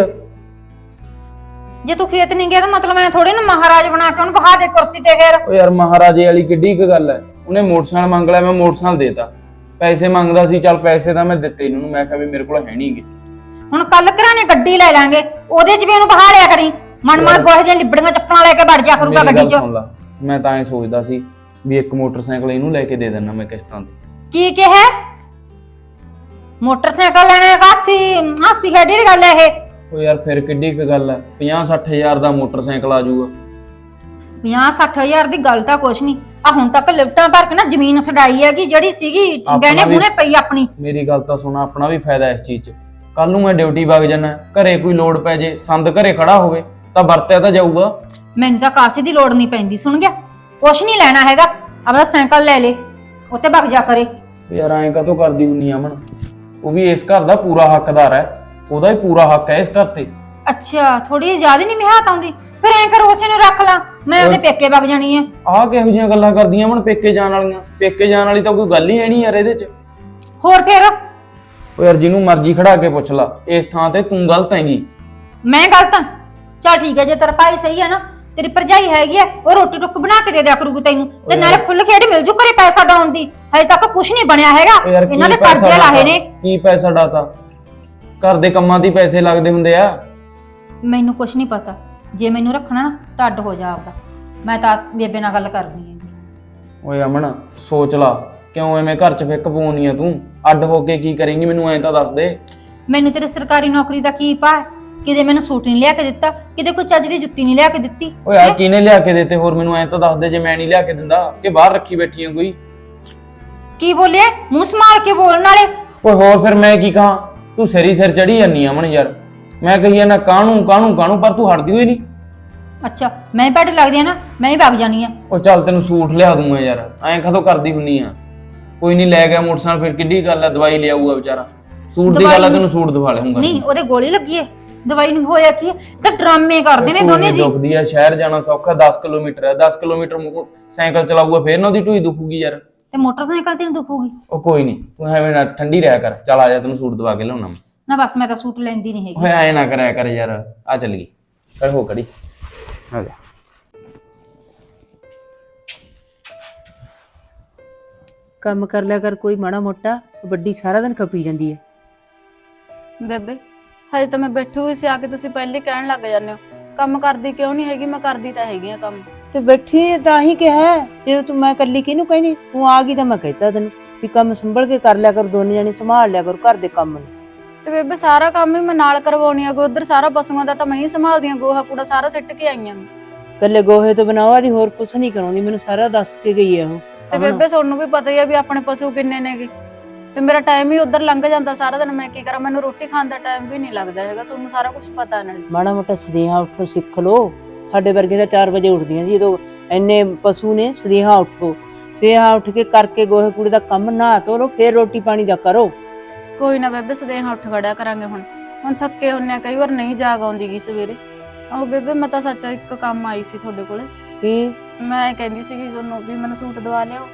[SPEAKER 2] ਜੇ ਤੂੰ ਖੇਤ ਨਹੀਂ ਗਿਆ ਤਾਂ ਮਤਲਬ ਮੈਂ ਥੋੜੇ ਨਾ ਮਹਾਰਾਜ ਬਣਾ ਕੇ ਉਹਨੂੰ ਬਹਾ ਦੇ ਕੁਰਸੀ ਤੇ। ਫੇਰ
[SPEAKER 1] ਓ ਯਾਰ ਮਹਾਰਾਜੇ ਵਾਲੀ ਕਿੱਡੀ ਇੱਕ ਗੱਲ ਹੈ, ਉਹਨੇ ਮੋਟਰਸਾਈਕਲ ਮੰਗ ਲਿਆ, ਮੈਂ ਮੋਟਰਸਾਈਕਲ ਦੇਤਾ। ਪੈਸੇ ਮੰਗਦਾ ਸੀ, ਚੱਲ ਪੈਸੇ ਤਾਂ ਮੈਂ ਦਿੱਤੇ ਇਹਨੂੰ, ਮੈਂ ਕਿਹਾ ਵੀ ਮੇਰੇ ਕੋਲ ਹੈ ਨਹੀਂਗੇ।
[SPEAKER 2] ਹੁਣ ਕੱਲ ਘਰਾਣੇ ਗੱਡੀ ਲੈ ਲਾਂਗੇ, ਉਹਦੇ 'ਚ ਵੀ ਉਹਨੂੰ ਬਹਾ ਲਿਆ ਕਰੀ। ਮਨ ਮਨ ਗੋਹੇ ਦੀਆਂ ਲਿਬੜੀਆਂ ਚੱਪਲਾਂ ਲੈ ਕੇ ਵੜ ਜਾ ਕਰੂਗਾ ਗੱਡੀ 'ਚ।
[SPEAKER 1] ਮੈਂ ਤਾਂ ਐ ਸੋਚਦਾ ਸੀ ਵੀ ਇੱਕ ਮੋਟਰਸਾਈਕਲ ਇਹਨੂੰ ਲੈ ਕੇ ਦੇ ਦੇਣਾ ਮੈਂ ਕਿਸ਼ਤਾਂ ਤੇ।
[SPEAKER 2] ਕੀ ਕਿਹਾ? ਮੋਟਰਸਾਈਕਲ ਲੈਣੇ ਕਾਥੀ ਹਾਸੀ ਖੇਡੀ ਦੀ ਗੱਲ ਹੈ ਇਹ।
[SPEAKER 1] ਉਹ ਯਾਰ ਫਿਰ ਕਿੱਡੀ ਕੁ ਗੱਲ ਹੈ, ਪੰਜਾਹ ਸੱਠ ਹਜ਼ਾਰ ਦਾ ਮੋਟਰਸਾਈਕਲ ਆ ਜਾਊਗਾ।
[SPEAKER 2] ਪੰਜਾਹ ਸੱਠ ਹਜ਼ਾਰ ਦੀ ਗੱਲ ਤਾਂ ਕੁਛ ਨਹੀਂ, ਆ ਹੁਣ ਤੱਕ ਲਿਫਟਾਂ ਭਰ ਕੇ ਨਾ ਜ਼ਮੀਨ ਛਡਾਈ ਹੈਗੀ ਜਿਹੜੀ ਸੀਗੀ
[SPEAKER 1] ਆਪਣਾ
[SPEAKER 2] ਗਹਿਣੇ
[SPEAKER 1] ਵੀ-
[SPEAKER 2] ਗੁਣੇ ਪਈ ਆਪਣੀ।
[SPEAKER 1] ਮੇਰੀ ਗੱਲ ਤਾਂ ਸੁਣ, ਆਪਣਾ ਵੀ ਫਾਇਦਾ ਇਸ ਚੀਜ਼ 'ਚ। ਕੱਲ ਨੂੰ ਮੈਂ ਡਿਊਟੀ ਵਗ ਜਾਣਾ, ਘਰੇ ਕੋਈ ਲੋੜ ਪੈ ਜੇ, ਸੰਦ ਘਰੇ ਖੜਾ ਹੋਵੇ ਤਾਂ ਵਰਤਿਆ ਤਾਂ ਜਾਊਗਾ।
[SPEAKER 2] ਮੈਨੂੰ ਤਾਂ ਕਾਸੇ ਦੀ ਲੋੜ ਨਹੀਂ ਪੈਂਦੀ, ਸੁਣ ਗਿਆ? ਕੁਛ ਨਹੀਂ ਲੈਣਾ ਹੈਗਾ, ਆਪਣਾ ਸਾਈਕਲ ਲੈ ਲੈ, ਉੱਤੇ ਭੱਜ ਜਾ ਕਰੇ।
[SPEAKER 1] ਯਾਰ ਐਂ ਕਾਹਤੋਂ ਕਰਦੀ ਹੁੰਨੀ ਆ ਅਮਨ? ਉਹ ਵੀ ਇਸ ਘਰ ਦਾ ਪੂਰਾ ਹੱਕਦਾਰ ਹੈ, ਉਹਦਾ ਹੀ ਪੂਰਾ ਹੱਕ ਹੈ ਇਸ ਘਰ ਤੇ।
[SPEAKER 2] ਅੱਛਾ, ਥੋੜੀ ਜ਼ਿਆਦਾ ਨਹੀਂ ਮਿਹਾਤ ਆਉਂਦੀ? ਫਿਰ ਐਂ ਕਰ ਉਸੇ ਨੂੰ ਰੱਖ ਲਾ, ਮੈਂ ਉਹਦੇ ਪੇਕੇ ਵਗ ਜਾਣੀ ਹੈ।
[SPEAKER 1] ਆਹ ਕਿਹੋ ਜਿਹੀਆਂ ਗੱਲਾਂ ਕਰਦੀਆਂ ਅਮਨ ਪੇਕੇ ਜਾਣ ਵਾਲੀਆਂ? ਪੇਕੇ ਜਾਣ ਵਾਲੀ ਤਾਂ ਕੋਈ ਗੱਲ ਹੀ ਹੈ ਨਹੀਂ ਯਾਰ ਇਹਦੇ 'ਚ।
[SPEAKER 2] ਹੋਰ ਫਿਰ
[SPEAKER 1] ਉਹ ਯਾਰ ਜਿਹਨੂੰ ਮਰਜ਼ੀ ਖੜਾ ਕੇ ਪੁੱਛ ਲਾ, ਇਸ ਥਾਂ ਤੇ ਤੂੰ ਗਲਤ ਹੈਗੀ।
[SPEAKER 2] ਮੈਂ ਗਲਤ ਹਾਂ? ਚੱਲ ਠੀਕ ਹੈ, ਜੇ ਤੇਰਾ ਭਾਈ ਸਹੀ ਹੈ ਨਾ, ਤੇਰੀ ਭਰਜਾਈ ਹੈਗੀ ਆ, ਉਹ ਰੋਟੀ ਟੁੱਕ ਬਣਾ ਕੇ ਦੇ ਦਿਆ ਕਰੂਗੀ ਤੈਨੂੰ, ਤੇ ਨਾਲੇ ਖੁੱਲ ਖੇਡ ਮਿਲ ਜੂ ਘਰੇ ਪੈਸਾ ਡਾਉਣ ਦੀ। ਹਜੇ ਤੱਕ ਕੁਝ ਨਹੀਂ ਬਣਿਆ ਹੈਗਾ,
[SPEAKER 1] ਉਹ ਯਾਰ ਕੀ
[SPEAKER 2] ਇਹਨਾਂ ਦੇ
[SPEAKER 1] ਪੈਸਾ
[SPEAKER 2] ਕਰਜ਼ੇ ਲਾਹੇ
[SPEAKER 1] ਡਾਤਾ?
[SPEAKER 2] ਨੇ।
[SPEAKER 1] ਕੀ ਪੈਸਾ ਡਾਤਾ? ਘਰ ਦੇ ਕੰਮਾਂ ਦੀ ਪੈਸੇ ਲੱਗਦੇ ਹੁੰਦੇ ਆ।
[SPEAKER 2] ਮੈਨੂੰ ਕੁਝ ਨਹੀਂ ਪਤਾ, ਜੇ ਮੈਨੂੰ ਰੱਖਣਾ ਨਾ ਤਾਂ ਅੱਡ ਹੋ ਜਾ ਆਪਦਾ, ਮੈਂ ਤਾਂ ਬੇਬੇ ਨਾਲ ਗੱਲ ਕਰਨੀ ਹੈ।
[SPEAKER 1] ਓਏ ਅਮਨ ਸੋਚ ਲਾ, ਕਿਉਂ ਐਵੇਂ ਘਰ 'ਚ ਫਿੱਕ ਪਵਾਉਣੀ ਆ ਤੂੰ? ਅੱਡ ਹੋ ਕੇ ਕੀ ਕਰੇਂਗੀ ਮੈਨੂੰ ਐਂ ਤਾਂ ਦੱਸ ਦੇ।
[SPEAKER 2] ਮੈਨੂੰ ਤੇਰੇ ਸਰਕਾਰੀ ਨੌਕਰੀ ਦਾ ਕੀ ਪਾ? ਕਿਤੇ ਮੈਨੂੰ ਸੂਟ ਨਹੀਂ ਲਿਆ ਕੇ ਦਿੱਤਾ, ਕਿਤੇ ਕੋਈ ਚੱਜ ਦੀ ਜੁੱਤੀ ਨਹੀਂ ਲਿਆ ਕੇ ਦਿੱਤੀ।
[SPEAKER 1] ਓਏ ਆ ਕਿਹਨੇ ਲਿਆ ਕੇ ਦਿੱਤੇ? ਹੋਰ ਮੈਨੂੰ ਐਂ ਤਾਂ ਦੱਸ ਦੇ, ਜੇ ਮੈਂ ਨਹੀਂ ਲਿਆ ਕੇ ਦਿੰਦਾ ਕਿ ਬਾਹਰ ਰੱਖੀ ਬੈਠੀ ਆ ਕੋਈ।
[SPEAKER 2] ਕੀ ਬੋਲਿਆ? ਮੂੰਹ ਸੰਭਾਲ ਕੇ ਬੋਲਣ ਵਾਲੇ।
[SPEAKER 1] ਓਏ ਹੋਰ ਫਿਰ ਮੈਂ ਕੀ ਕਹਾਂ? ਤੂੰ ਸਿਰੀ ਸਿਰ ਚੜੀ ਜਾਂਦੀ ਆ ਅਮਨ ਯਾਰ। ਮੈਂ ਕਹੀ ਨਾ ਕਾਹਨੂੰ ਕਾਹਨੂੰ ਕਾਹਨੂੰ, ਪਰ ਤੂੰ ਹਟਦੀ ਹੋਈ ਨਹੀਂ।
[SPEAKER 2] ਅੱਛਾ, ਮੈਂ ਬੈਠ ਲੱਗਦੀ ਆ ਨਾ, ਮੈਂ ਹੀ ਵਗ ਜਾਣੀ ਆ।
[SPEAKER 1] ਉਹ ਚੱਲ ਤੈਨੂੰ ਸੂਟ ਲਿਆ ਦੂੰਗਾ ਯਾਰ, ਐਂ ਕਦੋਂ ਕਰਦੀ ਹੁੰਨੀ ਆ? ਕੋਈ ਨਹੀਂ ਲੈ ਗਿਆ ਮੋਟਰਸਾਈਕਲ, ਫਿਰ ਕਿੱਡੀ ਗੱਲ ਆ, ਦਵਾਈ ਲਿਆਊਗਾ ਵਿਚਾਰਾ। ਸੂਟ ਦੀ ਗੱਲ ਆ, ਤੈਨੂੰ ਸੂਟ ਦਵਾ ਲਿਆਉਂਗਾ।
[SPEAKER 2] ਨਹੀਂ, ਉਹਦੇ ਗੋਲੀ ਲੱਗੀ ਏ, ਦਵਾਈ ਨੂੰ ਹੋਇਆ ਕੀ ਹੈ? ਤਾਂ ਡਰਾਮੇ ਕਰਦੇ ਨੇ ਦੋਨੇ ਜੀ।
[SPEAKER 1] ਦੁਖਦੀ ਆ, ਸ਼ਹਿਰ ਜਾਣਾ ਸੌਖਾ, ਦਸ ਕਿਲੋਮੀਟਰ ਹੈ, ਦਸ ਕਿਲੋਮੀਟਰ ਮੋ- ਸਾਈਕਲ ਚਲਾਊਗਾ ਫੇਰ ਨਾ ਉਹਦੀ ਢੂਈ ਦੁਖੂਗੀ ਯਾਰ।
[SPEAKER 2] ਤੇ ਮੋਟਰਸਾਈਕਲ ਤੇ ਦੁਖੂਗੀ?
[SPEAKER 1] ਉਹ ਕੋਈ ਨਹੀਂ, ਤੂੰ ਐਵੇਂ ਨਾ ਠੰਡੀ ਰਹਿ ਕਰ। ਚੱਲ ਆ ਜਾ, ਤੈਨੂੰ ਸੂਟ ਦਵਾ ਕੇ ਲਿਆਉਣਾ ਮੈਂ।
[SPEAKER 2] ਨਾ ਬਸ, ਮੈਂ ਤਾਂ ਸੂਟ ਲੈਂਦੀ ਨਹੀਂ ਹੈਗੀ।
[SPEAKER 1] ਓਏ ਐ ਨਾ ਕਰਿਆ ਕਰ ਯਾਰ। ਆ ਚੱਲ ਗਈ, ਕਰ ਹੋ ਕੜੀ, ਆ ਜਾ।
[SPEAKER 4] ਕੰਮ ਕਰ ਲਿਆ ਕਰ ਕੋਈ ਮਾੜਾ ਮੋਟਾ, ਵੱਡੀ ਸਾਰਾ ਦਿਨ ਖਪੀ ਜਾਂਦੀ ਹੈ।
[SPEAKER 5] ਬੇਬੇ ਹਜੇ ਤਾਂ ਮੈਂ ਬੈਠੀ ਹੋਈ ਸੀ, ਆ ਕੇ ਤੁਸੀਂ ਪਹਿਲੇ ਕਹਿਣ ਲੱਗ ਜਾਂਦੇ ਹੋ ਕੰਮ ਕਰਦੀ ਕਿਉਂ ਨਹੀਂ ਹੈਗੀ? ਮੈਂ ਕਰਦੀ ਤਾਂ ਹੈਗੀ ਆ ਕੰਮ।
[SPEAKER 4] ਤੇ ਬੈਠੀ ਤਾਂ ਹੀ ਕਿਹਾ, ਜਦੋਂ ਤੂੰ ਮੈਂ ਇਕੱਲੀ ਕਿਹਨੂੰ ਕਹਿਨੀ? ਤੂੰ ਆ ਗਈ ਤਾਂ ਮੈਂ ਕਹਿਤਾ ਤੈਨੂੰ ਵੀ ਕੰਮ ਸੰਭਲ ਕੇ ਕਰ ਲਿਆ ਕਰ, ਦੋਨੇ ਜਣੇ ਸੰਭਾਲ ਲਿਆ ਕਰ ਘਰ ਦੇ ਕੰਮ ਨੂੰ।
[SPEAKER 5] ਤੇ ਬੇਬੇ ਸਾਰਾ ਕੰਮ ਹੀ ਮੈਂ ਨਾਲ ਕਰਵਾਉਣੀ ਆ, ਉਧਰ ਸਾਰਾ ਪਸ਼ੂਆਂ ਦਾ ਤਾਂ ਮੈਂ ਹੀ ਸੰਭਾਲਦੀ ਆ, ਗੋਹਾ ਕੂੜਾ ਸਾਰਾ ਸਿੱਟ ਕੇ ਆਈਆਂ ਮੈਂ।
[SPEAKER 4] ਕੱਲੇ ਗੋਹੇ ਤੋਂ ਬਣਾਵਾ ਦੀ ਹੋਰ ਕੁਛ ਨਹੀਂ ਕਰਾਉਂਦੀ, ਮੈਨੂੰ ਸਾਰਾ ਦੱਸ ਕੇ ਗਈ ਹੈ ਉਹ।
[SPEAKER 5] ਤੇ ਬੇਬੇ ਤੁਹਾਨੂੰ ਵੀ ਪਤਾ ਹੀ ਆ ਵੀ ਆਪਣੇ ਪਸ਼ੂ ਕਿੰਨੇ ਨੇਗੇ, ਤੇ ਮੇਰਾ ਟਾਈਮ ਹੀ ਉਧਰ ਲੰਘ ਜਾਂਦਾ ਸਾਰਾ ਦਿਨ। ਮੈਂ ਕੀ ਕਰਾਂ, ਮੈਨੂੰ ਰੋਟੀ ਖਾਣ ਦਾ ਟਾਈਮ ਵੀ ਨਹੀਂ ਲੱਗਦਾ ਹੈਗਾ, ਤੁਹਾਨੂੰ ਸਾਰਾ ਕੁਝ ਪਤਾ ਨਾਲ।
[SPEAKER 4] ਮਾੜਾ ਮੋਟਾ ਸਦੇਹਾ ਉੱਠੋ ਸਿੱਖ ਲੋ। ਸਾਡੇ ਵਰਗੇ ਤਾਂ ਚਾਰ ਵਜੇ ਉੱਠਦੀਆਂ ਜੀ, ਜਦੋਂ ਇੰਨੇ ਪਸ਼ੂ ਨੇ। ਸਦੇਹਾ ਉੱਠੋ, ਸਦੇਹਾ ਉੱਠ ਕੇ ਕਰਕੇ ਗੋਹੇ ਕੂੜੇ ਦਾ ਕੰਮ ਨਹਾ ਧੋ ਲੋ, ਫੇਰ ਰੋਟੀ ਪਾਣੀ ਦਾ ਕਰੋ।
[SPEAKER 5] ਕੋਈ ਨਾ ਬੇਬੇ, ਸਦੇਹਾ ਉੱਠ ਖੜਿਆ ਕਰਾਂਗੇ। ਹੁਣ ਹੁਣ ਥੱਕੇ ਹੁੰਨੇ ਆ, ਕਈ ਵਾਰ ਨਹੀਂ ਜਾਗ ਆਉਂਦੀ ਗੀ ਸਵੇਰੇ। ਆਹੋ ਬੇਬੇ, ਮੈਂ ਤਾਂ ਸੱਚ ਇੱਕ ਕੰਮ ਆਈ ਸੀ ਤੁਹਾਡੇ ਕੋਲੇ।
[SPEAKER 4] ਕੀ?
[SPEAKER 5] ਮੈਂ ਕਹਿੰਦੀ ਸੀਗੀ ਤੁਹਾਨੂੰ ਵੀ ਮੈਨੂੰ ਸੂਟ ਦਵਾ ਲਿਓ।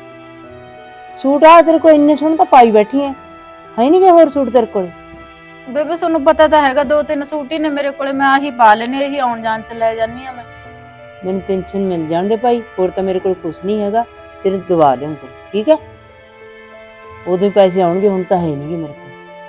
[SPEAKER 4] ਸੂਟ ਆ ਤੇਰੇ ਕੋਲ ਇੰਨੇ ਸੋਹਣੇ ਤਾਂ ਪਾਈ ਬੈਠੀ ਐ, ਹੈ ਨਹੀਂ ਕਿ ਹੋਰ ਸੂਟ ਤੇਰੇ ਕੋਲ?
[SPEAKER 5] ਬੇਬੇ ਤੁਹਾਨੂੰ ਪਤਾ ਤਾਂ ਹੈਗਾ, ਦੋ ਤਿੰਨ ਸੂਟ ਹੀ ਨੇ ਮੇਰੇ ਕੋਲੇ, ਮੈਂ ਆਹੀ ਪਾ ਲੈਨੇ, ਇਹੀ ਆਉਣ ਜਾਣ ਚ ਲੈ ਜਾਨੀ ਆ ਮੈਂ।
[SPEAKER 4] ਮੈਨੂੰ ਪੈਨਸ਼ਨ ਮਿਲ ਜਾਣ ਦੇ ਭਾਈ, ਹੋਰ ਤਾਂ ਮੇਰੇ ਕੋਲ ਕੁਛ ਨਹੀਂ ਹੈਗਾ, ਤੇਰੇ ਦਵਾ ਲਿਆਉਂਗਾ, ਠੀਕ ਹੈ? ਉਦੋਂ ਹੀ ਪੈਸੇ ਆਉਣਗੇ, ਹੁਣ ਤਾਂ ਹੈ ਨਹੀਂਗੇ ਮੇਰੇ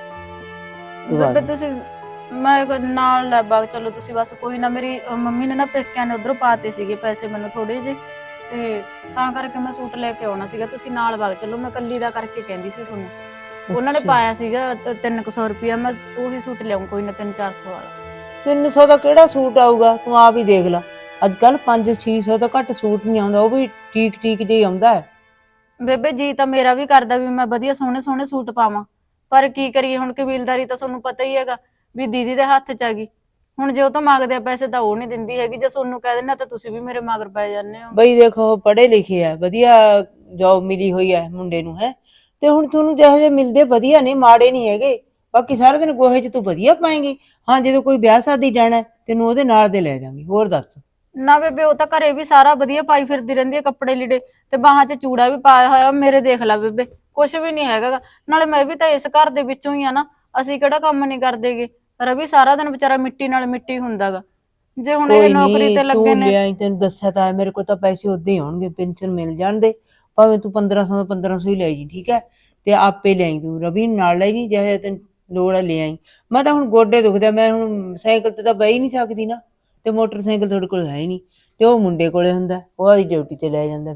[SPEAKER 4] ਕੋਲ। ਦਵਾ
[SPEAKER 5] ਬੇਬੇ
[SPEAKER 4] ਦੇ।
[SPEAKER 5] ਤੁਸੀਂ ਮੈਂ ਕੋਈ ਨਾਲ ਲੈ ਬਾਗ ਚਲੋ ਤੁਸੀਂ, ਬਸ ਕੋਈ ਨਾ। ਮੇਰੀ ਅਹ, ਮੰਮੀ ਨੇ ਨਾ ਪੇਕਿਆਂ ਨੇ ਉਧਰੋਂ ਪਾਤੇ ਸੀਗੇ ਪੈਸੇ ਮੈਨੂੰ ਥੋੜੇ ਜਿਹੇ, ਤੇ ਤਾਂ ਕਰਕੇ ਮੈਂ ਸੂਟ ਲੈ ਕੇ ਆਉਣਾ ਸੀਗਾ। ਤੁਸੀਂ ਨਾਲ ਬਾਗ ਚਲੋ, ਮੈਂ ਕੱਲੀ ਦਾ ਕਰਕੇ ਕਹਿੰਦੀ ਸੀ ਤੁਹਾਨੂੰ। ਉਹਨਾਂ ਨੇ
[SPEAKER 4] ਅੱਛਾ।
[SPEAKER 5] ਪਾਇਆ ਸੀਗਾ ਤ- ਤਿੰਨ ਕੁ ਸੌ ਰੁਪਇਆ, ਮੈਂ ਉਹੀ ਸੂਟ ਲਿਆਉਂ ਕੋਈ ਨਾ, ਤਿੰਨ ਚਾਰ ਸੌ ਵਾਲਾ।
[SPEAKER 4] ਤਿੰਨ ਸੌ ਦਾ ਕਿਹੜਾ ਸੂਟ ਆਊਗਾ? ਤੂੰ ਆਪ ਹੀ ਦੇਖ ਲੈ, ਅੱਜ ਕੱਲ ਪੰਜ ਛੇ ਸੌ ਤੋਂ ਘੱਟ ਸੂਟ ਨਹੀਂ ਆਉਂਦਾ, ਉਹ ਵੀ ਠੀਕ ਠੀਕ ਜਿਹਾ ਆਉਂਦਾ ਹੈ।
[SPEAKER 5] ਬੇਬੇ ਜੀ ਤਾਂ ਮੇਰਾ ਵੀ ਕਰਦਾ ਵੀ ਮੈਂ ਵਧੀਆ ਸੋਹਣੇ ਸੋਹਣੇ ਸੂਟ ਪਾਵਾਂ, ਪਰ ਕੀ ਕਰੀਏ ਹੁਣ, ਕਬੀਲਦਾਰੀ ਤਾਂ ਤੁਹਾਨੂੰ ਪਤਾ ਹੀ ਹੈਗਾ ਵੀ ਦੀਦੀ ਦੇ ਹੱਥ 'ਚ ਹੈਗੀ। ਹੁਣ ਜੇ ਉਹ ਤਾਂ ਮੰਗਦੇ ਆ ਪੈਸੇ ਤਾਂ ਉਹ ਨਹੀਂ ਦਿੰਦੀ ਹੈਗੀ, ਜੇ ਤੁਹਾਨੂੰ ਕਹਿ ਦਿੰਦਾ ਤਾਂ ਤੁਸੀਂ ਵੀ ਮੇਰੇ ਮਗਰ ਪੈ ਜਾਂਦੇ ਹੋ।
[SPEAKER 4] ਬਈ ਦੇਖੋ, ਪੜ੍ਹੇ ਲਿਖੇ ਆ, ਵਧੀਆ ਜੌਬ ਮਿਲੀ ਹੋਈ ਹੈ ਮੁੰਡੇ ਨੂੰ, ਹੈ ਤੇ ਹੁਣ ਤੁਹਾਨੂੰ ਜਿਹੋ ਜਿਹੇ ਮਿਲਦੇ ਵਧੀਆ ਨੇ, ਮਾੜੇ ਨਹੀਂ ਹੈਗੇ। ਬਾਕੀ ਸਾਰਾ ਦਿਨ ਗੋਹੇ 'ਚ ਤੂੰ ਵਧੀਆ ਪਾਏਂਗੀ। ਹਾਂ, ਜਦੋਂ ਕੋਈ ਵਿਆਹ ਸ਼ਾਦੀ ਜਾਣਾ ਹੈ, ਤੈਨੂੰ ਉਹਦੇ ਨਾਲ ਦੇ ਲੈ ਜਾਵਾਂਗੀ। ਹੋਰ ਦੱਸ?
[SPEAKER 5] ਨਾ ਬੇਬੇ, ਉਹ ਤਾਂ ਘਰੇ ਵੀ ਸਾਰਾ ਵਧੀਆ ਪਾਈ ਫਿਰਦੀ ਰਹਿੰਦੀ ਹੈ, ਕੱਪੜੇ ਲੀੜੇ, ਤੇ ਬਾਹਾਂ 'ਚ ਚੂੜਾ ਵੀ ਪਾਇਆ ਹੋਇਆ। ਮੇਰੇ ਦੇਖ ਲੈ ਬੇਬੇ, ਕੁਛ ਵੀ ਨਹੀਂ ਹੈਗਾ ਗਾ। ਨਾਲੇ ਮੈਂ ਵੀ ਤਾਂ ਇਸ ਘਰ ਦੇ ਵਿੱਚੋਂ ਹੀ ਆ ਨਾ, ਅਸੀਂ ਕਿਹੜਾ ਕੰਮ ਨਹੀਂ ਕਰਦੇਗੇ। ਰਵੀ ਸਾਰਾ ਦਿਨ ਵਿਚਾਰਾ ਮਿੱਟੀ ਨਾਲ ਮਿੱਟੀ ਹੁੰਦਾਗਾ। ਜੇ ਹੁਣ ਇਹ
[SPEAKER 4] ਕੋਈ
[SPEAKER 5] ਨੌਕਰੀ
[SPEAKER 4] ਨੀ,
[SPEAKER 5] ਤੇ ਲੱਗੇ
[SPEAKER 4] ਤੂੰ
[SPEAKER 5] ਨੇ।
[SPEAKER 4] ਲਿਆਈ, ਤੈਨੂੰ ਦੱਸਿਆ ਤਾਂ ਹੈ, ਮੇਰੇ ਕੋਲ ਤਾਂ ਪੈਸੇ ਉਦਾਂ ਹੀ ਆਉਣਗੇ, ਪੈਨਸ਼ਨ ਮਿਲ ਜਾਣ ਦੇ, ਭਾਵੇਂ ਤੂੰ ਪੰਦਰਾਂ ਸੌ ਪੰਦਰਾਂ ਸੌ ਹੀ ਲੈ ਜੀ, ਠੀਕ ਹੈ? ਤੇ ਆਪੇ ਲਿਆਈ ਤੂੰ, ਰਵੀ ਨੂੰ ਨਾਲ ਲੈ ਜੀ, ਜਿਹੇ ਤੈਨੂੰ ਲੋੜ ਹੈ ਲੈ ਆਈ। ਮੈਂ ਤਾਂ ਹੁਣ ਗੋਡੇ ਦੁਖਦੇ, ਮੈਂ ਹੁਣ ਸਾਈਕਲ ਤੇ ਤਾਂ ਬਹਿ ਹੀ ਨਹੀਂ ਸਕਦੀ ਨਾ, ਤੇ ਮੋਟਰਸਾਈਕਲ ਤੁਹਾਡੇ ਕੋਲ ਹੈ ਹੀ ਨਹੀਂ, ਤੇ ਉਹ ਮੁੰਡੇ ਕੋਲੇ ਹੁੰਦਾ, ਉਹ ਆਦੀ ਡਿਊਟੀ ਤੇ ਲੈ ਜਾਂਦਾ, ਫਿਰ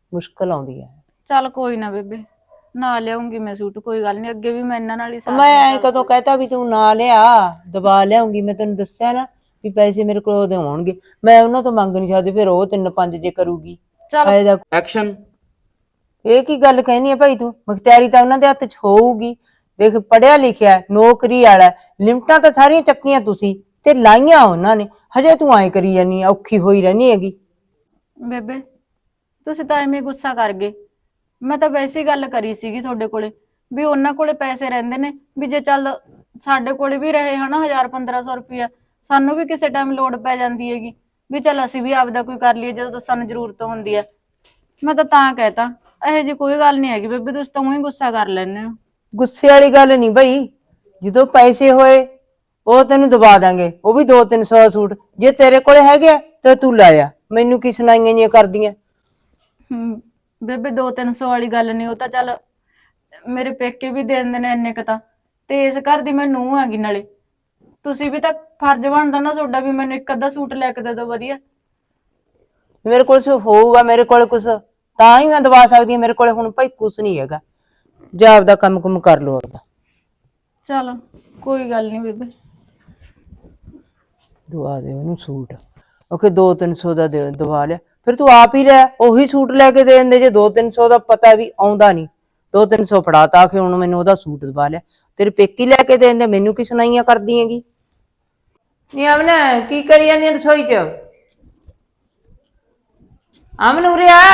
[SPEAKER 4] ਮੁਸ਼ਕਲ ਆਉਂਦੀ ਹੈ।
[SPEAKER 5] ਚੱਲ ਕੋਈ ਨਾ ਬੇਬੇ, ਨਾ ਲਿਆਉਂਗੀ ਮੈਂ ਸੂਟ, ਕੋਈ ਗੱਲ ਨਹੀਂ, ਅੱਗੇ ਵੀ ਮੈਂ ਇਹਨਾਂ ਨਾਲ ਹੀ ਸਾਥ
[SPEAKER 4] ਮੈਂ ਐ ਕਦੋਂ ਕਹਿਤਾ ਵੀ ਤੂੰ ਨਾ ਲਿਆ, ਦਬਾ ਲਿਆਉਂਗੀ। ਮੈਂ ਤੈਨੂੰ ਦੱਸਿਆ ਨਾ ਵੀ ਪੈਸੇ ਮੇਰੇ ਕੋਲ ਉਹਦੇ ਹੋਣਗੇ, ਮੈਂ ਉਹਨਾਂ ਤੋਂ ਮੰਗ ਨਹੀਂ ਸਕਦੀ, ਫਿਰ ਉਹ ਤਿੰਨ ਪੰਜ ਜੇ ਕਰੂਗੀ।
[SPEAKER 5] ਚੱਲ
[SPEAKER 4] ਫਾਇਦਾ
[SPEAKER 1] ਐਕਸ਼ਨ।
[SPEAKER 4] ਇਹ ਕੀ ਗੱਲ ਕਹਿਨੀ ਹੈ ਭਾਈ ਤੂੰ? ਮੁਖਤਿਆਰੀ ਤਾਂ ਉਹਨਾਂ ਦੇ ਹੱਥ 'ਚ ਹੋਊਗੀ। ਦੇਖ ਪੜਿਆ ਲਿਖਿਆ, ਨੌਕਰੀ ਵਾਲਾ, ਲਿਮਟਾਂ ਤਾਂ ਸਾਰੀਆਂ ਚੱਕੀਆਂ ਤੁਸੀਂ ਤੇ ਲਾਈਆਂ ਉਹਨਾਂ ਨੇ, ਹਜੇ ਤੂੰ ਐਂ ਕਰੀ ਜਾਨੀ ਆ, ਔਖੀ ਹੋਈ ਰਹਿਣੀ ਹੈਗੀ।
[SPEAKER 5] ਬੇਬੇ ਤੁਸੀਂ ਤਾਂ ਐਵੇਂ ਗੁੱਸਾ ਕਰ ਗਏ, ਮੈਂ ਤਾਂ ਵੈਸੇ ਹੀ ਗੱਲ ਕਰੀ ਸੀਗੀ ਤੁਹਾਡੇ ਕੋਲੇ ਵੀ ਉਹਨਾਂ ਕੋਲੇ ਪੈਸੇ ਰਹਿੰਦੇ ਨੇ, ਵੀ ਜੇ ਚੱਲ ਸਾਡੇ ਕੋਲੇ ਵੀ ਰਹੇ ਹਨਾ ਹਜ਼ਾਰ ਪੰਦਰਾਂ ਸੌ ਰੁਪਇਆ, ਸਾਨੂੰ ਵੀ ਕਿਸੇ ਟਾਈਮ ਲੋੜ ਪੈ ਜਾਂਦੀ ਹੈਗੀ, ਵੀ ਚੱਲ ਅਸੀਂ ਵੀ ਆਪਦਾ ਕੋਈ ਕਰ ਲਈਏ ਜਦੋਂ ਸਾਨੂੰ ਜ਼ਰੂਰਤ ਹੁੰਦੀ ਹੈ। ਮੈਂ ਤਾਂ ਤਾਂ ਕਹਿਤਾ, ਇਹੋ ਜਿਹੀ ਕੋਈ ਗੱਲ ਨਹੀਂ ਹੈਗੀ ਬੇਬੇ, ਤੁਸੀਂ ਤਾਂ ਊਂ ਹੀ ਗੁੱਸਾ ਕਰ ਲੈਂਦੇ ਹੋ।
[SPEAKER 4] ਗੁੱਸੇ ਵਾਲੀ ਗੱਲ ਨਹੀਂ ਬਈ, ਜਦੋਂ ਪੈਸੇ ਹੋਏ ਉਹ ਤੈਨੂੰ ਦਬਾ ਦਾਂਗੇ, ਉਹ ਵੀ ਦੋ ਤਿੰਨ ਸੌ ਸੂਟ। ਜੇ ਤੇਰੇ ਕੋਲੇ ਹੈਗੇ ਆ ਤੇ ਤੂੰ ਲਾਇਆ, ਮੈਨੂੰ ਕੀ ਸੁਣਾਈਆਂ ਜੀਆਂ ਕਰਦੀਆਂ।
[SPEAKER 5] ਹੂੰ ਬੇਬੇ ਦੋ ਤਿੰਨ ਸੌ ਵਾਲੀ ਗੱਲ ਨਹੀਂ, ਉਹ ਤਾਂ ਚੱਲ ਮੇਰੇ ਪੇਕੇ ਵੀ ਦੇ ਦਿੰਦੇ ਨੇ ਇੰਨੇ ਕੁ ਤਾਂ, ਤੇ ਇਸ ਘਰ ਦੀ ਮੈਂ ਨੂੰਹ ਹੈਗੀ, ਨਾਲੇ ਤੁਸੀਂ ਵੀ ਤਾਂ ਫਰਜ਼ ਬਣਦਾ ਨਾ ਤੁਹਾਡਾ ਵੀ ਮੈਨੂੰ ਇੱਕ ਅੱਧਾ ਸੂਟ ਲੈ ਕੇ ਦੇ ਦਿਓ ਵਧੀਆ।
[SPEAKER 4] ਮੇਰੇ ਕੋਲ ਸਿਰਫ ਹੋਊਗਾ, ਮੇਰੇ ਕੋਲ ਕੁਛ ਤਾਂ ਹੀ ਮੈਂ ਦਵਾ ਸਕਦੀ ਹਾਂ। ਮੇਰੇ ਕੋਲੇ ਹੁਣ ਭਾਈ ਕੁਛ ਨਹੀਂ ਹੈਗਾ, ਜਾ ਆਪਦਾ ਕੰਮ ਕੁਮ ਕਰ ਲੋ ਆਪਦਾ।
[SPEAKER 5] ਚਲ ਕੋਈ ਗੱਲ ਨਹੀਂ ਬੇਬੇ।
[SPEAKER 4] ਦਵਾ ਦੇ ਉਹਨੂੰ ਸੂਟ, ਓਕੇ ਦੋ ਤਿੰਨ ਸੌ ਦਾ ਦੇ ਦਵਾ ਲਿਆ, ਫਿਰ ਤੂੰ ਆਪ ਹੀ ਲੈ ਉਹੀ ਸੂਟ ਲੈ ਕੇ ਦੇ ਦਿੰਦੇ। ਜੇ ਦੋ ਤਿੰਨ ਸੌ ਦਾ ਪਤਾ ਵੀ ਆਉਂਦਾ ਨਹੀਂ, ਦੋ ਤਿੰਨ ਸੌ ਫੜਾਤਾ ਕਿ ਹੁਣ ਮੈਨੂੰ ਉਹਦਾ ਸੂਟ ਦਵਾ ਲਿਆ, ਤੇਰੇ ਪੇਕੀ ਲੈ ਕੇ ਦੇ ਦਿੰਦੇ, ਮੈਨੂੰ ਕੀ ਸੁਣਾਈਆਂ ਕਰਦੀ ਹੈਗੀ। ਨੀ ਅਮਨ ਕੀ ਕਰੀ ਜਾਂਦੀ ਰਸੋਈ ਚ? ਅਮਨ ਉਰੇ ਆ।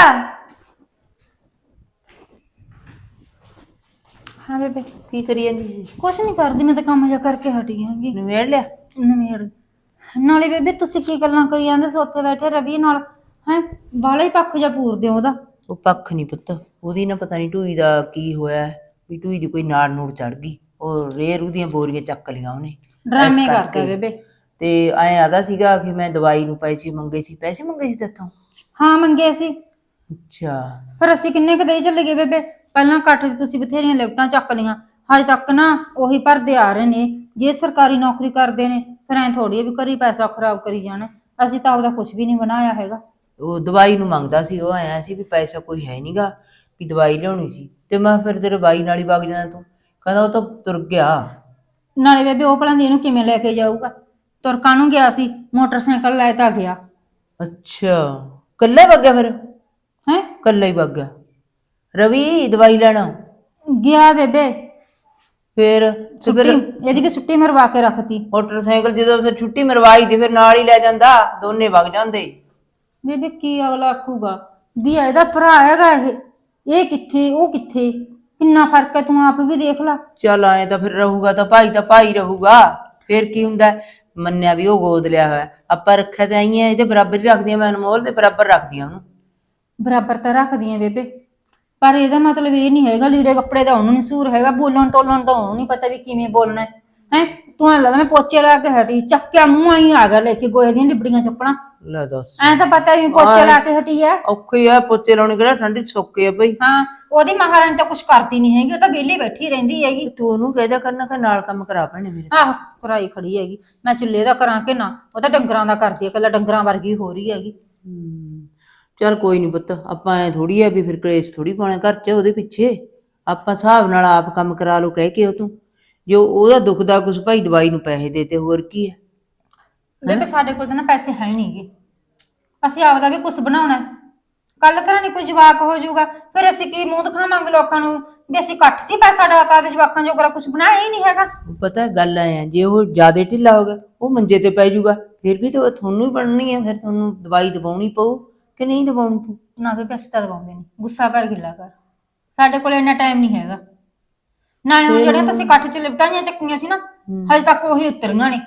[SPEAKER 2] ਹਾਂ ਬੇਬੇ,
[SPEAKER 4] ਕੀ ਕਰੀ ਜਾਂਦੀ?
[SPEAKER 2] ਕੁਛ ਨਹੀਂ ਕਰਦੀ, ਮੈਂ ਤਾਂ ਕੰਮ ਜਿਹਾ ਕਰਕੇ ਹਟੀ ਹੈਗੀ।
[SPEAKER 4] ਨਿਬੇੜ ਲਿਆ?
[SPEAKER 2] ਨਵੇੜ ਨਾਲੇ ਬੇਬੇ ਤੁਸੀਂ ਕੀ ਗੱਲਾਂ ਕਰੀ ਜਾਂਦੇ ਸੀ ਉੱਥੇ ਬੈਠੇ ਰਵੀ ਨਾਲ, ਹੈ ਬਾਲਾ ਹੀ ਪੱਖ ਜਿਹਾ ਪੂਰਦੇ ਹੋ ਉਹਦਾ।
[SPEAKER 4] ਉਹ ਪੱਖ ਨਹੀਂ ਪੁੱਤ, ਉਹਦੀ ਨਾ ਪਤਾ ਨਹੀਂ ਢੂਈ ਦਾ ਕੀ ਹੋਇਆ ਵੀ ਢੂਈ ਦੀ ਕੋਈ ਨਾੜ ਨੂੜ ਚੜ ਗਈ, ਉਹ ਰੇਰੂ ਦੀਆਂ ਬੋਰੀਆਂ ਚੱਕ ਲੀਆਂ ਉਹਨੇ।
[SPEAKER 2] ਡਰਾਮੇ
[SPEAKER 4] ਇਸ
[SPEAKER 2] ਕਰਦਾ
[SPEAKER 4] ਕਰਕੇ।
[SPEAKER 2] ਬੇਬੇ।
[SPEAKER 4] ਤੇ ਐਂ ਆਦਾ ਸੀਗਾ ਕਿ ਮੈਂ ਦਵਾਈ ਨੂੰ ਪੈਸੇ ਮੰਗੇ ਸੀ, ਪੈਸੇ ਮੰਗੇ ਸੀ ਤੇਥੋਂ?
[SPEAKER 2] ਹਾਂ ਮੰਗੇ ਸੀ,
[SPEAKER 4] ਅੱਛਾ।
[SPEAKER 2] ਪਰ ਅਸੀਂ ਕਿੰਨੇ ਕੁ ਦੇ ਚੱਲੇ ਗਏ ਬੇਬੇ। ਪਹਿਲਾਂ ਇਕੱਠ 'ਚ ਤੁਸੀਂ ਬਥੇਰੀਆਂ ਲਿਫਟਾਂ ਚੱਕ ਲੀਆਂ, ਹਜੇ ਤੱਕ ਨਾ ਉਹੀ ਭਰਦੇ ਆ ਰਹੇ ਨੇ। ਜੇ ਸਰਕਾਰੀ ਨੌਕਰੀ ਕਰਦੇ ਨੇ ਫਿਰ ਐਂ ਥੋੜੀ ਆ ਵੀ ਘਰੀ ਪੈਸਾ ਖਰਾਬ ਕਰੀ ਜਾਣਾ। ਅਸੀਂ ਤਾਂ ਆਪਦਾ ਕੁਛ ਵੀ ਨਹੀਂ ਬਣਾਇਆ ਹੈਗਾ।
[SPEAKER 4] ਉਹ ਦਵਾਈ ਨੂੰ ਮੰਗਦਾ ਸੀ, ਉਹ ਆਇਆ ਸੀ ਵੀ ਪੈਸਾ ਕੋਈ ਹੈ ਨਹੀਂਗਾ, ਵੀ ਦਵਾਈ ਲਿਆਉਣੀ ਸੀ। ਤੇ ਮੈਂ ਫਿਰ ਤੇਰੇ ਬਾਈ ਨਾਲ ਹੀ ਵਗ ਜਾਣਾ, ਤੂੰ ਕਹਿੰਦਾ ਉਹ ਤਾਂ ਤੁਰ ਗਿਆ।
[SPEAKER 2] ਨਾਲੇ ਬੇਬੇ ਉਹ ਭਲਾਂ ਦੀ ਇਹਨੂੰ ਕਿਵੇਂ ਲੈ ਕੇ ਜਾਊਗਾ? ਤੁਰਕਾਂ ਨੂੰ ਗਿਆ ਸੀ, ਮੋਟਰਸਾਈਕਲ ਲੈ ਤਾਂ ਗਿਆ।
[SPEAKER 4] ਅੱਛਾ ਕੱਲਾ ਵਗ ਗਿਆ? ਫਿਰ
[SPEAKER 2] ਹੈ
[SPEAKER 4] ਕੱਲਾ ਹੀ ਵਗ ਗਿਆ ਰਵੀ ਦਵਾਈ ਲੈਣਾ?
[SPEAKER 2] ਗਿਆ ਬੇਬੇ।
[SPEAKER 4] ਫਿਰ ਤੇ
[SPEAKER 2] ਛੁੱਟੀ
[SPEAKER 4] ਫਿਰ
[SPEAKER 2] ਇਹਦੀ ਵੀ ਛੁੱਟੀ ਮਰਵਾ ਕੇ ਰੱਖਤੀ।
[SPEAKER 4] ਮੋਟਰਸਾਈਕਲ ਜਦੋਂ ਫਿਰ ਛੁੱਟੀ ਮਰਵਾਈ ਤੇ ਫਿਰ ਨਾਲ ਹੀ ਲੈ ਜਾਂਦਾ, ਦੋਨੇ ਵਗ ਜਾਂਦੇ।
[SPEAKER 2] ਬੇਬੇ ਕੀ ਅਗਲਾ ਆਖੂਗਾ ਵੀ ਇਹਦਾ ਭਰਾ ਹੈਗਾ ਇਹ ਇਹ ਕਿੱਥੇ ਉਹ ਕਿੱਥੇ, ਕਿੰਨਾ ਫਰਕ ਹੈ, ਤੂੰ ਆਪ ਵੀ ਦੇਖ ਲਾ।
[SPEAKER 4] ਚੱਲ ਆਏ ਤਾਂ ਫਿਰ ਰਹੂਗਾ ਤਾਂ ਭਾਈ ਤਾਂ ਭਾਈ ਰਹੂਗਾ, ਫਿਰ ਕੀ ਹੁੰਦਾ। ਮੰਨਿਆ ਵੀ ਉਹ ਗੋਦ ਲਿਆ ਹੋਇਆ, ਆਪਾਂ ਰੱਖਿਆ ਤਾਂ ਆਈਆਂ ਇਹਦੇ ਬਰਾਬਰ ਹੀ ਰੱਖਦੀਆਂ, ਮੈਂ ਅਨਮੋਲ ਦੇ ਬਰਾਬਰ ਰੱਖਦੀਆਂ ਉਹਨੂੰ।
[SPEAKER 2] ਬਰਾਬਰ ਤਾਂ ਰੱਖਦੀਆਂ ਬੇਬੇ, ਪਰ ਇਹਦਾ ਮਤਲਬ ਇਹ ਨਹੀਂ ਹੈਗਾ ਲੀੜੇ ਕੱਪੜੇ ਦਾ ਉਹਨੂੰ ਨੀ ਸੂਰ ਹੈਗਾ, ਬੋਲਣ ਤੋਲਣ ਦਾ ਉਹਨੂੰ ਨਹੀਂ ਪਤਾ ਵੀ ਕਿਵੇਂ ਬੋਲਣਾ ਹੈ। ਹੈ ਤੂੰ ਐ ਲੱਗਦਾ ਮੈਂ ਪੋਚੇ ਲਾ ਕੇ ਹਟੀ, ਚੱਕਿਆ ਮੂੰਹ ਆਈ ਆ ਗਿਆ ਲੈ ਕੇ ਗੋਹੇ ਦੀਆਂ ਲਿਬੜੀਆਂ ਚੱਪਣਾ।
[SPEAKER 4] ਲੈ ਦੱਸ,
[SPEAKER 2] ਐ ਤਾਂ ਪਤਾ ਵੀ ਪੋਚੇ ਲਾ ਕੇ ਹਟੀ ਆ।
[SPEAKER 4] ਔਖੀ ਆ ਪੋਚੇ ਲਾਉਣੇ, ਕਿਹੜਾ ਠੰਡੀ ਸੌਕੇ ਆ ਬਈ।
[SPEAKER 2] ਹਾਂ ਉਹਦੀ ਮਹਾਰਾਣੀ ਤਾਂ ਕੁਛ ਕਰਦੀ ਨਹੀਂ ਹੈਗੀ, ਉਹ ਤਾਂ ਵਿਹਲੀ ਬੈਠੀ ਰਹਿੰਦੀ ਹੈਗੀ।
[SPEAKER 4] ਤੂੰ ਉਹਨੂੰ ਕਹਿਦਾ ਕਰਨਾ ਕਿ ਨਾਲ ਕੰਮ ਕਰਾ ਭੈਣੇ ਮੇਰੇ।
[SPEAKER 2] ਆਹੋ ਕਰਾਈ ਖੜੀ ਹੈਗੀ, ਮੈਂ ਚੁੱਲ੍ਹੇ ਦਾ ਕਰਾਂ ਕਿ ਨਾ, ਉਹ ਤਾਂ ਡੰਗਰਾਂ ਦਾ ਕਰਦੀ ਹੈ, ਇਕੱਲਾ ਡੰਗਰਾਂ ਵਰਗੀ ਹੋ ਰਹੀ ਹੈਗੀ।
[SPEAKER 4] ਹੂੰ ਚੱਲ ਕੋਈ ਨੀ ਪੁੱਤ, ਆਪਾਂ ਐ ਥੋੜੀ ਆ ਵੀ ਫਿਰ ਕਲੇਸ਼ ਥੋੜੀ ਪਾਉਣਾ ਘਰ ਚ ਉਹਦੇ ਪਿੱਛੇ। ਆਪਾਂ ਹਿਸਾਬ ਨਾਲ ਆਪ ਕੰਮ ਕਰਾ ਲਓ ਕਹਿ ਕੇ ਉਹ ਤੂੰ, ਜੋ ਉਹਦਾ ਦੁਖਦਾ ਕੁਛ ਭਾਈ ਦਵਾਈ ਨੂੰ ਪੈਸੇ ਦੇ ਤੇ ਹੋਰ ਕੀ ਹੈ।
[SPEAKER 2] ਬੇਬੇ ਸਾਡੇ ਕੋਲ ਤਾਂ ਨਾ ਪੈਸੇ ਹੈ ਨਹੀਂਗੇ, ਅਸੀਂ ਆਪਦਾ ਵੀ ਕੁਛ ਬਣਾਉਣਾ। ਕੱਲ ਘਰਾਂ ਨੀ ਕੋਈ ਜਵਾਕ ਹੋ ਜਾਊਗਾ, ਫਿਰ ਅਸੀਂ ਕੀ ਮੂੰਹ ਦਿਖਾਵਾਂਗੇ ਲੋਕਾਂ ਨੂੰ ਵੀ ਅਸੀਂ ਘੱਟ ਸੀ ਪੈਸਾ ਡਾਕਾ ਦੇ ਜਵਾਕਾਂ ਜੋਗਰਾ ਕੁਛ ਬਣਾਇਆ ਹੀ ਨਹੀਂ ਹੈਗਾ।
[SPEAKER 4] ਪਤਾ ਗੱਲ ਐ ਆ, ਜੇ ਉਹ ਜ਼ਿਆਦਾ ਢਿੱਲਾ ਹੋ ਗਿਆ ਉਹ ਮੰਜੇ ਤੇ ਪੈ ਜਾਊਗਾ, ਫਿਰ ਵੀ ਤਾਂ ਤੁਹਾਨੂੰ ਹੀ ਬਣਨੀ ਹੈ, ਫਿਰ ਤੁਹਾਨੂੰ ਦਵਾਈ ਦਵਾਉਣੀ ਪਊ ਕਿ ਨਹੀਂ ਦਵਾਉਣੀ ਪਊ।
[SPEAKER 2] ਨਾ ਵੀ ਪੈਸੇ ਤਾਂ ਦਵਾਉਂਦੇ ਨਹੀਂ, ਗੁੱਸਾ ਕਰ ਗਿੱਲਾ ਕਰ, ਸਾਡੇ ਕੋਲ ਇੰਨਾ ਟਾਈਮ ਨਹੀਂ ਹੈਗਾ। ਨਾਲੇ ਹੁਣ ਜਿਹੜੀਆਂ ਤੁਸੀਂ ਇਕੱਠ ਚ ਲਿਪਟਾਂ ਜਿਹੀਆਂ ਚੱਕੀਆਂ ਸੀ ਨਾ, ਹਜੇ ਤੱਕ ਉਹੀ ਉਤਰੀਆਂ ਨੇ।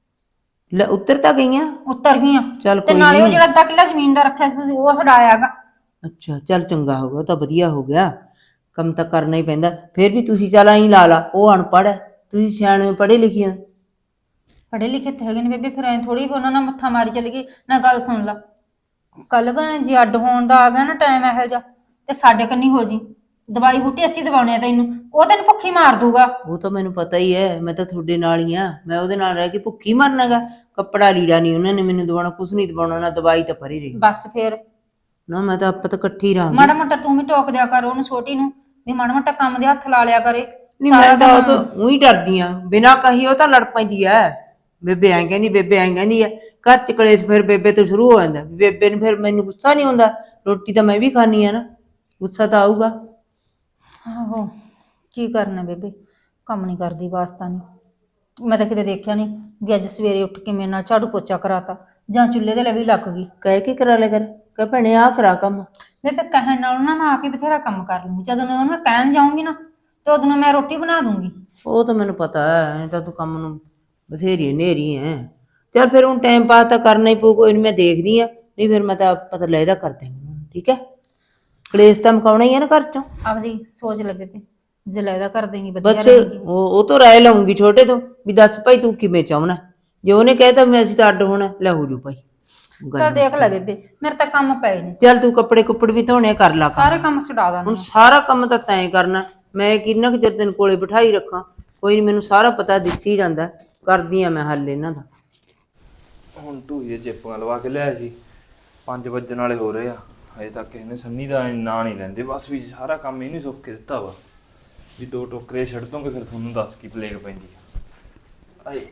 [SPEAKER 4] ਲੈ ਉੱਤਰ ਤਾਂ ਗਈਆਂ?
[SPEAKER 2] ਉਤਰ ਗਈਆਂ।
[SPEAKER 4] ਚੱਲ
[SPEAKER 2] ਤੇ
[SPEAKER 4] ਕੋਈ
[SPEAKER 2] ਨਾਲੇ ਉਹ
[SPEAKER 4] ਨੀ।
[SPEAKER 2] ਜਿਹੜਾ ਅੱਧਾ ਕਿੱਲਾ ਜ਼ਮੀਨ ਦਾ ਰੱਖਿਆ ਸੀ ਤੁਸੀਂ ਉਹ ਛਡਾਇਆਗਾ।
[SPEAKER 4] ਅੱਛਾ ਚੱਲ ਚੰਗਾ ਹੋ ਗਿਆ, ਉਹ ਤਾਂ ਵਧੀਆ ਹੋ ਗਿਆ, ਕੰਮ ਤਾਂ ਕਰਨਾ ਹੀ ਪੈਂਦਾ। ਫਿਰ ਵੀ ਤੁਸੀਂ ਚੱਲ ਆਈ ਲਾ ਲਾ, ਉਹ ਅਨਪੜ੍ਹ ਹੈ, ਤੁਸੀਂ ਸਿਆਣੇ ਪੜ੍ਹੇ ਲਿਖੇ ਆ।
[SPEAKER 2] ਪੜ੍ਹੇ ਲਿਖੇ ਤੇ ਹੈਗੇ ਨੇ ਬੇਬੇ, ਫਿਰ ਐ ਥੋੜੀ ਉਹਨਾਂ ਨਾਲ ਮੱਥਾ ਮਾਰੀ ਚੱਲ ਗਈ ਨਾ। ਗੱਲ ਸੁਣ ਲਾ, ਕੱਲ ਜੇ ਅੱਡ ਹੋਣ ਦਾ ਆ ਗਿਆ ਨਾ ਟਾਈਮ ਇਹੋ ਜਿਹਾ, ਤੇ ਸਾਡੇ ਕੰਨੀ ਹੋ ਜੀ। ਦਵਾਈ ਬੂਟੀ ਅਸੀਂ ਦਵਾਉਣੇ ਆ ਤੈਨੂੰ, ਉਹ ਤੈਨੂੰ ਭੁੱਖੀ ਮਾਰ ਦੂਗਾ।
[SPEAKER 4] ਉਹ ਤਾਂ ਮੈਨੂੰ ਪਤਾ ਹੀ ਹੈ, ਮੈਂ ਤਾਂ ਤੁਹਾਡੇ ਨਾਲ ਹੀ ਆ, ਮੈਂ ਉਹਦੇ ਨਾਲ ਰਹਿ ਕੇ ਭੁੱਖੀ ਮਰਨਾਗਾ। ਕੱਪੜਾ ਲੀੜਾ ਨਹੀਂ ਉਹਨਾਂ ਨੇ ਮੈਨੂੰ ਦਵਾਉਣਾ, ਕੁਛ ਨਹੀਂ ਦਵਾਉਣਾ, ਨਾ ਦਵਾਈ ਤਾਂ ਭਰੀ ਰਹੀ।
[SPEAKER 2] ਬਸ ਫਿਰ
[SPEAKER 4] ਨਾ ਮੈਂ ਤਾਂ ਆਪਾਂ ਤਾਂ ਇਕੱਠੀ ਰਹਾਂਗੇ।
[SPEAKER 2] ਮਾੜਾ ਮੋਟਾ ਤੂੰ ਵੀ ਟੋਕ ਦਿਆ ਕਰ ਉਹਨੂੰ ਛੋਟੀ ਨੂੰ ਵੀ ਮਾੜਾ ਮੋਟਾ ਕੰਮ ਦੇ ਹੱਥ ਲਾ ਲਿਆ ਕਰੇ।
[SPEAKER 4] ਨਹੀਂ ਮੈਂ ਤਾਂ ਉਹ ਤੋਂ ਉਹੀ ਡਰਦੀ ਆ, ਬਿਨਾਂ ਕਹੀ ਉਹ ਤਾਂ ਲੜ ਪੈਂਦੀ ਐ। ਬੇਬੇ ਐਂ ਕਹਿੰਦੀ, ਬੇਬੇ ਐਂ ਕਹਿੰਦੀ ਐ, ਘਰ ਚ ਕਲੇਸ਼ ਫਿਰ ਬੇਬੇ ਤੋਂ ਸ਼ੁਰੂ ਹੋ ਜਾਂਦਾ। ਬੇਬੇ ਨੂੰ ਫਿਰ ਮੈਨੂੰ ਗੁੱਸਾ ਨਹੀਂ ਹੁੰਦਾ, ਰੋਟੀ ਤਾਂ ਮੈਂ ਵੀ ਖਾਣੀ ਆ ਨਾ, ਗੁੱਸਾ ਤਾਂ ਆਊਗਾ।
[SPEAKER 2] ਆਹੋ ਕੀ ਕਰਨਾ ਬੇਬੇ, ਕੰਮ ਨਹੀਂ ਕਰਦੀ ਵਾਸਤਾ ਨਹੀਂ। ਮੈਂ ਤਾਂ ਕਿਤੇ ਦੇਖਿਆ ਨਹੀਂ ਵੀ ਅੱਜ ਸਵੇਰੇ ਉੱਠ ਕੇ ਮੇਰੇ ਨਾਲ ਝਾੜੂ ਪੋਚਾ ਕਰਾਤਾ ਜਾਂ ਚੁੱਲ੍ਹੇ ਦੇ ਲਈ ਲੱਗ ਗਈ।
[SPEAKER 4] ਕਹਿ ਕੇ ਕਰਾ ਲਿਆ ਕਰ, ਕਹਿ ਭੈਣੇ ਆਹ ਕਰਾ ਕੰਮ।
[SPEAKER 2] ਬੇਬੇ ਕਹਿਣ ਨਾਲੋਂ ਨਾ ਮੈਂ ਆਪ ਹੀ ਬਥੇਰਾ ਕੰਮ ਕਰ ਲੂੰਗੀ। ਜਦੋਂ ਉਹਨੂੰ ਮੈਂ ਕਹਿਣ ਜਾਊਂਗੀ ਨਾ ਤੇ ਉਦੋਂ ਨੂੰ ਮੈਂ ਰੋਟੀ ਬਣਾ ਦੂੰਗੀ।
[SPEAKER 4] ਉਹ ਤਾਂ ਮੈਨੂੰ ਪਤਾ ਐ, ਤਾਂ ਤੂੰ ਕੰਮ ਨੂੰ ਬਥੇਰੀ ਨੇਰੀ ਐ। ਚੱਲ ਫਿਰ ਹੁਣ ਟਾਈਮ ਪਾਸ ਤਾਂ ਕਰਨਾ ਹੀ ਪਊ, ਕੋਈ ਨੀ ਮੈਂ ਦੇਖਦੀ ਆ, ਨਹੀਂ ਫਿਰ ਮੈਂ ਤਾਂ ਪਤਾ ਲੈਦਾ ਕਰ ਦਿਆਂਗੀ। ਠੀਕ ਹੈ, ਕਲੇਸ਼ ਤਾਂ ਮੁਕਾਉਣਾ ਹੀ ਆ ਨਾ ਘਰ ਚੋਂ।
[SPEAKER 2] ਆਪਦੀ ਸੋਚ ਲੈ ਬੇਬੇ, ਜੇ ਲੈਦਾ ਕਰ ਦੇਂਗੀ ਵਧੀਆ
[SPEAKER 4] ਬਸ
[SPEAKER 2] ਰਹੇਗੀ।
[SPEAKER 4] ਉਹ ਉਹ ਤੋਂ ਰਾਏ ਲਊਂਗੀ ਛੋਟੇ ਤੋਂ ਵੀ ਦੱਸ ਭਾਈ ਤੂੰ ਕਿਵੇਂ ਚਾਹਣਾ। ਜੇ ਉਹਨੇ ਕਹਿਤਾ ਮੈਂ ਅਸੀਂ ਤਾਂ ਅੱਡ ਹੋਣਾ, ਲੈ ਹੋ ਜੂ ਭਾਈ।
[SPEAKER 2] ਚਲ ਦੇਖ ਲੈ ਬੇਬੇ, ਮੇਰੇ ਤਾਂ ਕੰਮ ਪਏ ਨੇ।
[SPEAKER 4] ਚੱਲ ਤੂੰ ਕੱਪੜੇ ਕੁੱਪੜ ਵੀ ਧੋਣੇ ਕਰ ਲਾ ਕੰਮ।
[SPEAKER 2] ਸਾਰੇ ਕੰਮ ਛਡਾ
[SPEAKER 4] ਹੁਣ
[SPEAKER 2] ਦਾਂਗੀ।
[SPEAKER 4] ਸਾਰਾ ਕੰਮ ਤਾਂ ਤੈਂ ਕਰਨਾ, ਮੈਂ ਕਿੰਨਾ ਕੁ ਚਿਰ ਤੈਨੂੰ ਕੋਲੇ ਬਿਠਾਈ ਰੱਖਾਂ। ਕੋਈ ਨੀ, ਮੈਨੂੰ ਸਾਰਾ ਪਤਾ ਦਿਸ ਹੀ ਜਾਂਦਾ, ਕਰਦੀ ਆ ਮੈਂ ਹੱਲ ਇਹਨਾਂ ਦਾ।
[SPEAKER 3] ਹੁਣ ਢੂਈ ਦੇ ਚਿੱਪਾਂ ਲਵਾ ਕੇ ਲਿਆਇਆ ਸੀ, ਪੰਜ ਵੱਜਣ ਵਾਲੇ ਹੋ ਰਹੇ ਆ, ਹਜੇ ਤੱਕ ਇਹਨੇ ਸੰਨੀ ਦਾ ਨਾਂ ਨਹੀਂ ਲੈਂਦੇ। ਬਸ ਵੀ ਸਾਰਾ ਕੰਮ ਇਹਨੇ ਸੁੱਕ ਕੇ ਦਿੱਤਾ ਵਾ ਵੀ ਦੋ ਟੋਕਰੇ ਛੱਡ ਦੋਗੇ ਫਿਰ ਤੁਹਾਨੂੰ ਦੱਸ ਕੀ ਪਲੇਗ ਪੈਂਦੀ ਆ। ਆਏ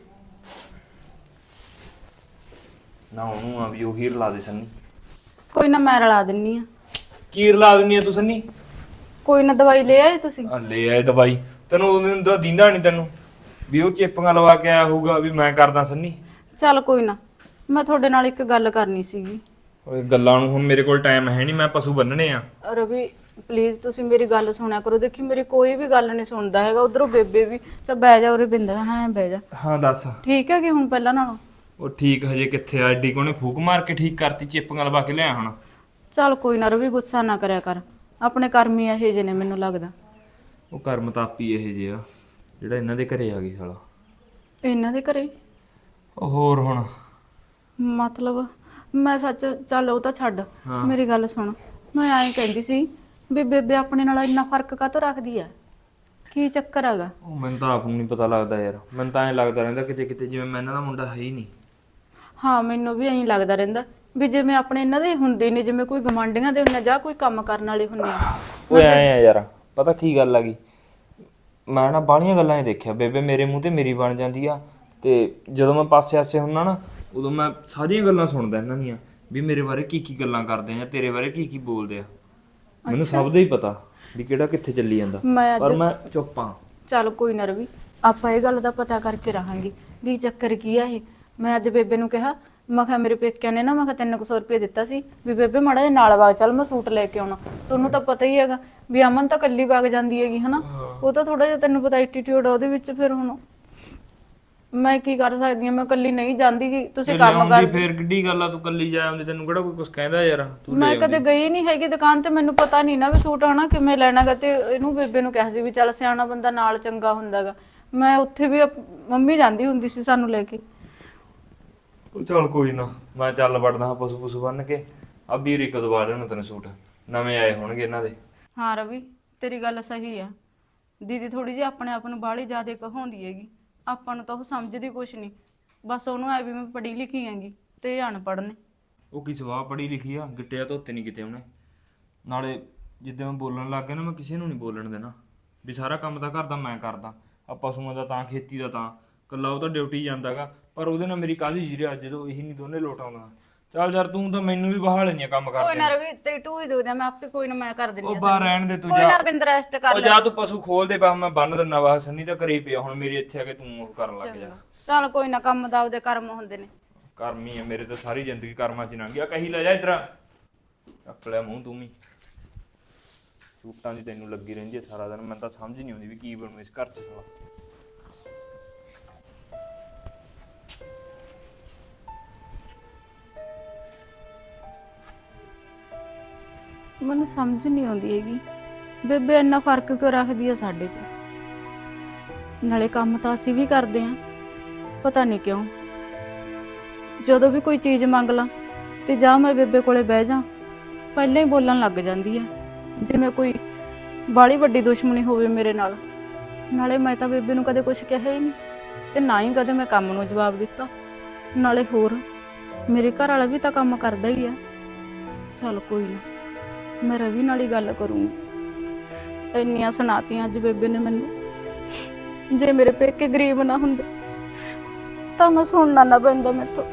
[SPEAKER 3] ਨਾ ਉਹਨੂੰ ਆ ਵੀ ਉਹੀ ਰਲਾ ਦੇ ਸੰਨੀ।
[SPEAKER 5] ਕੋਈ ਨਾ ਮੈਂ ਰਲਾ ਦਿੰਨੀ ਆ।
[SPEAKER 3] ਕੀ ਰਲਾ ਦਿੰਨੀ ਆ ਤੂੰ ਸੰਨੀ?
[SPEAKER 5] ਕੋਈ ਨਾ ਦਵਾਈ ਲੈ ਆਏ ਤੁਸੀਂ?
[SPEAKER 3] ਆ ਲੈ ਆਏ ਦਵਾਈ, ਤੈਨੂੰ ਉਹਨੂੰ ਤਾਂ ਦਿੰਦਾ ਨਹੀਂ ਤੈਨੂੰ ਵੀ ਉਹ ਚਿੱਪਾਂ ਲਵਾ ਕੇ ਆਇਆ ਹੋਊਗਾ ਵੀ ਮੈਂ ਕਰਦਾ ਸੰਨੀ।
[SPEAKER 5] ਚੱਲ ਕੋਈ ਨਾ, ਮੈਂ ਤੁਹਾਡੇ ਨਾਲ ਇੱਕ ਗੱਲ ਕਰਨੀ ਸੀਗੀ।
[SPEAKER 3] ਓਏ ਗੱਲਾਂ ਨੂੰ ਹੁਣ ਮੇਰੇ ਕੋਲ ਟਾਈਮ ਹੈ ਨਹੀਂ, ਮੈਂ ਪਸ਼ੂ ਬੰਨਣੇ ਆ।
[SPEAKER 5] ਰਵੀ ਪਲੀਜ਼ ਤੁਸੀਂ ਮੇਰੀ ਗੱਲ ਸੁਣਿਆ ਕਰੋ। ਦੇਖੀ ਮੇਰੀ ਕੋਈ ਵੀ ਗੱਲ ਨਹੀਂ ਸੁਣਦਾ ਹੈਗਾ, ਉਧਰੋਂ ਬੇਬੇ ਵੀ। ਚੱਲ ਬਹਿ ਜਾ ਉਰੇ ਬਿੰਦਰ, ਹਾਂ ਬਹਿ ਜਾ।
[SPEAKER 3] ਹਾਂ ਦੱਸ।
[SPEAKER 5] ਠੀਕ ਹੈ ਕਿ ਹੁਣ ਪਹਿਲਾਂ ਨਾਲੋਂ?
[SPEAKER 3] ਉਹ ਠੀਕ ਹਜੇ ਕਿੱਥੇ ਆ, ਐਡੀ ਕੋਨੇ ਫੂਕ ਮਾਰ ਕੇ ਠੀਕ ਕਰਤੀ, ਚਿੱਪਾਂ ਲਵਾ ਕੇ ਲਿਆ ਹੁਣ।
[SPEAKER 5] ਚੱਲ ਕੋਈ ਨਾ ਰਵੀ, ਗੁੱਸਾ ਨਾ ਕਰਿਆ ਕਰ, ਆਪਣੇ ਕਰਮ ਹੀ ਇਹੋ ਜਿਹੇ ਨੇ ਮੈਨੂੰ ਲੱਗਦਾ।
[SPEAKER 3] ਉਹ ਕਰਮ ਤਾਪੀ ਇਹ ਜੇ ਆ ਜਿਹੜਾ ਇਹਨਾਂ ਦੇ ਘਰੇ ਆ ਗਈ ਸਾਲਾ।
[SPEAKER 5] ਇਹਨਾਂ ਦੇ ਘਰੇ?
[SPEAKER 3] ਉਹ ਹੋਰ ਹੁਣ
[SPEAKER 5] ਮਤਲਬ ਮੈਂ ਸੱਚ, ਚੱਲ ਉਹ ਤਾਂ ਛੱਡ, ਮੇਰੀ ਗੱਲ ਸੁਣ। ਮੈਂ ਐਂ ਕਹਿੰਦੀ ਸੀ ਵੀ ਬੇਬੇ ਆਪਣੇ ਨਾਲ ਇੰਨਾ ਫਰਕ ਕਾਹਤੋਂ ਰੱਖਦੀ ਆ? ਕੀ ਚੱਕਰ ਹੈਗਾ?
[SPEAKER 3] ਉਹ ਮੈਨੂੰ ਤਾਂ ਆਪ ਨੂੰ ਨਹੀਂ ਪਤਾ ਲੱਗਦਾ ਯਾਰ, ਮੈਨੂੰ ਤਾਂ ਐਂ ਲੱਗਦਾ ਰਹਿੰਦਾ ਕਿਤੇ ਕਿਤੇ ਜਿਵੇਂ ਮੈਂ ਇਹਨਾਂ ਦਾ ਮੁੰਡਾ ਹੈ ਹੀ ਨਹੀਂ।
[SPEAKER 5] ਹਾਂ ਮੈਨੂੰ ਵੀ ਐਂ ਲੱਗਦਾ ਰਹਿੰਦਾ ਵੀ ਜਿਵੇਂ ਆਪਣੇ ਇਹਨਾਂ ਦੇ ਹੁੰਦੇ ਨੇ, ਜਿਵੇਂ ਕੋਈ ਗਵਾਂਢੀਆਂ ਦੇ ਹੁੰਦੇ ਜਾਂ ਕੋਈ ਕੰਮ ਕਰਨ ਵਾਲੇ ਹੁੰਦੇ ਆ।
[SPEAKER 3] ਓਏ ਐਂ ਆ ਯਾਰ, ਪਤਾ ਕੀ ਗੱਲ ਆ ਗਈ, ਮੈਂ ਨਾ ਬਾਹਲੀਆਂ ਗੱਲਾਂ ਹੀ ਦੇਖਿਆ, ਬੇਬੇ ਮੇਰੇ ਮੂੰਹ ਤੇ ਮੇਰੀ ਬਣ ਜਾਂਦੀ ਆ, ਤੇ ਜਦੋਂ ਮੈਂ ਪਾਸੇ ਆਸੇ ਹੁੰਨਾ ਨਾ ਉਦੋਂ ਮੈਂ ਸਾਰੀਆਂ ਗੱਲਾਂ ਸੁਣਦਾ ਇਹਨਾਂ ਦੀਆਂ ਵੀ ਮੇਰੇ ਬਾਰੇ ਕੀ ਕੀ ਗੱਲਾਂ ਕਰਦੇ ਆ ਜਾਂ ਤੇਰੇ ਬਾਰੇ ਕੀ ਕੀ ਬੋਲਦੇ ਆ। ਮੈਨੂੰ ਸਭ ਦਾ ਹੀ ਪਤਾ ਵੀ ਕਿਹੜਾ ਕਿੱਥੇ ਚੱਲੀ ਜਾਂਦਾ,
[SPEAKER 5] ਮੈਂ
[SPEAKER 3] ਪਰ ਮੈਂ ਚੁੱਪ ਆ।
[SPEAKER 5] ਚੱਲ ਕੋਈ ਨਾ ਰਵੀ, ਆਪਾਂ ਇਹ ਗੱਲ ਦਾ ਪਤਾ ਕਰਕੇ ਰਹਾਂਗੇ ਵੀ ਚੱਕਰ ਕੀ ਆ ਇਹ। ਮੈਂ ਅੱਜ ਬੇਬੇ ਨੂੰ ਕਿਹਾ, ਮੈਂ ਕਿਹਾ ਮੇਰੇ ਪੇਕਿਆਂ ਨੇ ਨਾ ਮੈਂ ਕਿਹਾ ਤਿੰਨ ਕੁ ਸੌ ਰੁਪਏ ਦਿੱਤਾ ਸੀ ਵੀ ਬੇਬੇ ਮਾੜਾ ਜਿਹਾ ਨਾਲ ਵਗ ਚੱਲ, ਮੈਂ ਸੂਟ ਲੈ ਕੇ ਆਉਣਾ। ਤੁਹਾਨੂੰ ਤਾਂ ਪਤਾ ਹੀ ਹੈਗਾ ਵੀ ਅਮਨ ਤਾਂ ਇਕੱਲੀ ਵਗ ਜਾਂਦੀ ਹੈਗੀ ਹਨਾ, ਉਹ ਤਾਂ ਥੋੜਾ ਜਿਹਾ ਤੈਨੂੰ ਪਤਾ ਐਟੀਟਿਊਡ ਆ ਉਹਦੇ ਵਿੱਚ। ਫਿਰ ਹੁਣ ਮੈਂ ਕੀ ਕਰ ਸਕਦੀ ਹਾਂ, ਮੈਂ ਇਕੱਲੀ ਨਹੀਂ ਜਾਂਦੀ ਗੀ, ਤੁਸੀਂ ਕੰਮ ਕਰ।
[SPEAKER 3] ਫੇਰ ਕਿੱਡੀ ਗੱਲ ਆ, ਤੂੰ ਕੱਲੀ ਜਾ ਆਉਂਦੀ, ਤੈਨੂੰ ਕਿਹੜਾ ਕੋਈ ਕੁਝ ਕਹਿੰਦਾ ਯਾਰ। ਤੂੰ
[SPEAKER 5] ਮੈਂ ਕਦੇ ਗਈ ਨਹੀਂ ਹੈਗੀ ਦੁਕਾਨ ਤੇ, ਮੈਨੂੰ ਪਤਾ ਨਹੀਂ ਨਾ ਵੀ ਸੂਟ ਆਣਾ ਕਿਵੇਂ ਲੈਣਾਗਾ। ਤੇ ਇਹਨੂੰ ਬੇਬੇ ਨੂੰ ਕਿਹਾ ਸੀ ਵੀ ਚੱਲ ਸਿਆਣਾ ਬੰਦਾ ਨਾਲ ਚੰਗਾ ਹੁੰਦਾਗਾ। ਮੈਂ ਉੱਥੇ ਵੀ ਮੰਮੀ ਜਾਂਦੀ ਹੁੰਦੀ ਸੀ ਸਾਨੂੰ ਲੈ ਕੇ।
[SPEAKER 3] ਚੱਲ ਕੋਈ ਨਾ, ਮੈਂ ਚੱਲ ਵੜਦਾ ਹਾਂ ਪਸ਼ੂ ਪਸ਼ੂ ਬੰਨ ਕੇ। ਆ ਵੀਰ ਇੱਕ ਦਵਾ ਲੈਣਾ ਤੈਨੂੰ ਸੂਟ, ਨਵੇਂ ਆਏ ਹੋਣਗੇ ਇਹਨਾਂ ਦੇ।
[SPEAKER 5] ਹਾਂ ਰਵੀ ਤੇਰੀ ਗੱਲ ਸਹੀ ਆ, ਦੀਦੀ ਥੋੜੀ ਜਿਹੀ ਆਪਣੇ ਆਪ ਨੂੰ ਬਾਹਲੀ ਜ਼ਿਆਦਾ ਕਹਾਉਂਦੀ ਹੈਗੀ। ਆਪਾਂ ਨੂੰ ਤਾਂ ਉਹ ਸਮਝਦੀ ਕੁਛ ਨਹੀਂ, ਬਸ ਉਹਨੂੰ ਐ ਵੀ ਮੈਂ ਪੜ੍ਹੀ ਲਿਖੀ ਹੈਗੀ ਤੇ ਇਹ ਅਨਪੜ੍ਹ ਨੇ।
[SPEAKER 3] ਉਹ ਕੀ ਸਵਾਹ ਪੜ੍ਹੀ ਲਿਖੀ ਆ, ਗਿੱਟਿਆ ਧੋਤੇ ਨਹੀਂ ਕਿਤੇ ਉਹਨੇ। ਨਾਲੇ ਜਿੱਦਾਂ ਮੈਂ ਬੋਲਣ ਲੱਗ ਗਿਆ ਨਾ, ਮੈਂ ਕਿਸੇ ਨੂੰ ਨਹੀਂ ਬੋਲਣ ਦੇਣਾ ਵੀ ਸਾਰਾ ਕੰਮ ਤਾਂ ਘਰ ਦਾ ਮੈਂ ਕਰਦਾ, ਆ ਪਸ਼ੂਆਂ ਦਾ ਤਾਂ ਖੇਤੀ ਦਾ ਤਾਂ ਇਕੱਲਾ ਉਹ ਤਾਂ ਡਿਊਟੀ ਜਾਂਦਾਗਾ। ਪਰ ਉਹਦੇ ਨਾਲ ਮੇਰੀ ਕਾਹਦੀ ਜੀਰਿਆ ਜਦੋਂ ਇਹੀ ਨਹੀਂ ਦੋਨੇ ਲੋਟ ਆਉਂਦਾ। ਚੱਲ ਯਾਰ ਤੂੰ ਤਾਂ ਮੈਨੂੰ ਵੀ ਬਹਾ ਲੈਣੀ ਆ ਕੰਮ
[SPEAKER 5] ਕੋਈ
[SPEAKER 3] ਕਰਦੇ।
[SPEAKER 5] ਨਾ ਰਵੀ ਤੇਰੀ ਟੂ ਹੀ ਦੋ ਦਿਆਂ, ਮੈਂ ਆਪੇ ਕੋਈ ਨਾ ਮੈਂ ਕਰ ਦਿੰਦੀ
[SPEAKER 3] ਉਹ
[SPEAKER 5] ਆ।
[SPEAKER 3] ਬਾਹਰ ਰਹਿਣ ਦੇ ਤੂੰ,
[SPEAKER 5] ਕੋਈ
[SPEAKER 3] ਜਾ
[SPEAKER 5] ਨਾ ਬਿੰਦ ਰੈਸਟ ਕਰ
[SPEAKER 3] ਉਹ
[SPEAKER 5] ਲੈ।
[SPEAKER 3] ਜਾ ਤੂੰ ਪਸ਼ੂ ਖੋਲ ਦੇ ਪਾ, ਮੈਂ ਬੰਨ ਦਿੰਨਾ ਵਾ। ਸੰਨੀ ਤਾਂ ਘਰੇ ਹੀ ਪਿਆ ਹੁਣ ਮੇਰੇ ਇੱਥੇ ਆ ਕੇ, ਤੂੰ ਉਹ ਕਰਨ ਲੱਗ ਜਾ।
[SPEAKER 5] ਚੱਲ ਕੋਈ ਨਾ, ਕੰਮ ਦਾ ਉਹਦੇ ਕਰਮ ਹੁੰਦੇ ਨੇ।
[SPEAKER 3] ਕਰਮ ਹੀ ਆ ਮੇਰੇ ਤਾਂ, ਸਾਰੀ ਜ਼ਿੰਦਗੀ ਕਰਮਾਂ 'ਚ ਲੰਘ ਗਿਆ। ਕਹੀ ਲੈ ਜਾ ਇੱਧਰ, ਚੱਕ ਲਿਆ ਮੂੰਹ ਤੂੰ ਵੀ। ਸੂਟਾਂ ਦੀ ਤੈਨੂੰ ਲੱਗੀ ਰਹਿੰਦੀ ਹੈ ਸਾਰਾ ਦਿਨ, ਮੈਨੂੰ ਤਾਂ ਸਮਝ ਨਹੀਂ ਆਉਂਦੀ ਵੀ ਕੀ ਬਣੂ ਇਸ ਘਰ 'ਚ ਸਾਲਾ।
[SPEAKER 5] ਮੈਨੂੰ ਸਮਝ ਨਹੀਂ ਆਉਂਦੀ ਹੈਗੀ ਬੇਬੇ ਇੰਨਾ ਫਰਕ ਕਿਉਂ ਰੱਖਦੀ ਆ ਸਾਡੇ 'ਚ। ਨਾਲੇ ਕੰਮ ਤਾਂ ਅਸੀਂ ਵੀ ਕਰਦੇ ਆਂ, ਪਤਾ ਨਹੀਂ ਕਿਉਂ ਜਦੋਂ ਵੀ ਕੋਈ ਚੀਜ਼ ਮੰਗ ਲਾਂ ਤੇ ਜਾਂ ਮੈਂ ਬੇਬੇ ਕੋਲੇ ਬਹਿ ਜਾ, ਪਹਿਲਾਂ ਹੀ ਬੋਲਣ ਲੱਗ ਜਾਂਦੀ ਆ ਜਿਵੇਂ ਕੋਈ ਬਾਹਲੀ ਵੱਡੀ ਦੁਸ਼ਮਣੀ ਹੋਵੇ ਮੇਰੇ ਨਾਲ। ਨਾਲੇ ਮੈਂ ਤਾਂ ਬੇਬੇ ਨੂੰ ਕਦੇ ਕੁਝ ਕਿਹਾ ਹੀ ਨਹੀਂ ਤੇ ਨਾ ਹੀ ਕਦੇ ਮੈਂ ਕੰਮ ਨੂੰ ਜਵਾਬ ਦਿੱਤਾ। ਨਾਲੇ ਹੋਰ ਮੇਰੇ ਘਰ ਵਾਲਾ ਵੀ ਤਾਂ ਕੰਮ ਕਰਦਾ ਹੀ ਆ। ਚੱਲ ਕੋਈ ਨਾ ਮੈਂ ਰਵੀ ਨਾਲ ਹੀ ਗੱਲ ਕਰੂੰਗੀ। ਇੰਨੀਆਂ ਸੁਣਾਤੀਆਂ ਅੱਜ ਬੇਬੇ ਨੇ ਮੈਨੂੰ, ਜੇ ਮੇਰੇ ਪੇਕੇ ਗਰੀਬ ਨਾ ਹੁੰਦੇ ਤਾਂ ਮੈਂ ਸੁਣਨਾ ਨਾ ਪੈਂਦਾ ਮੈਥੋਂ।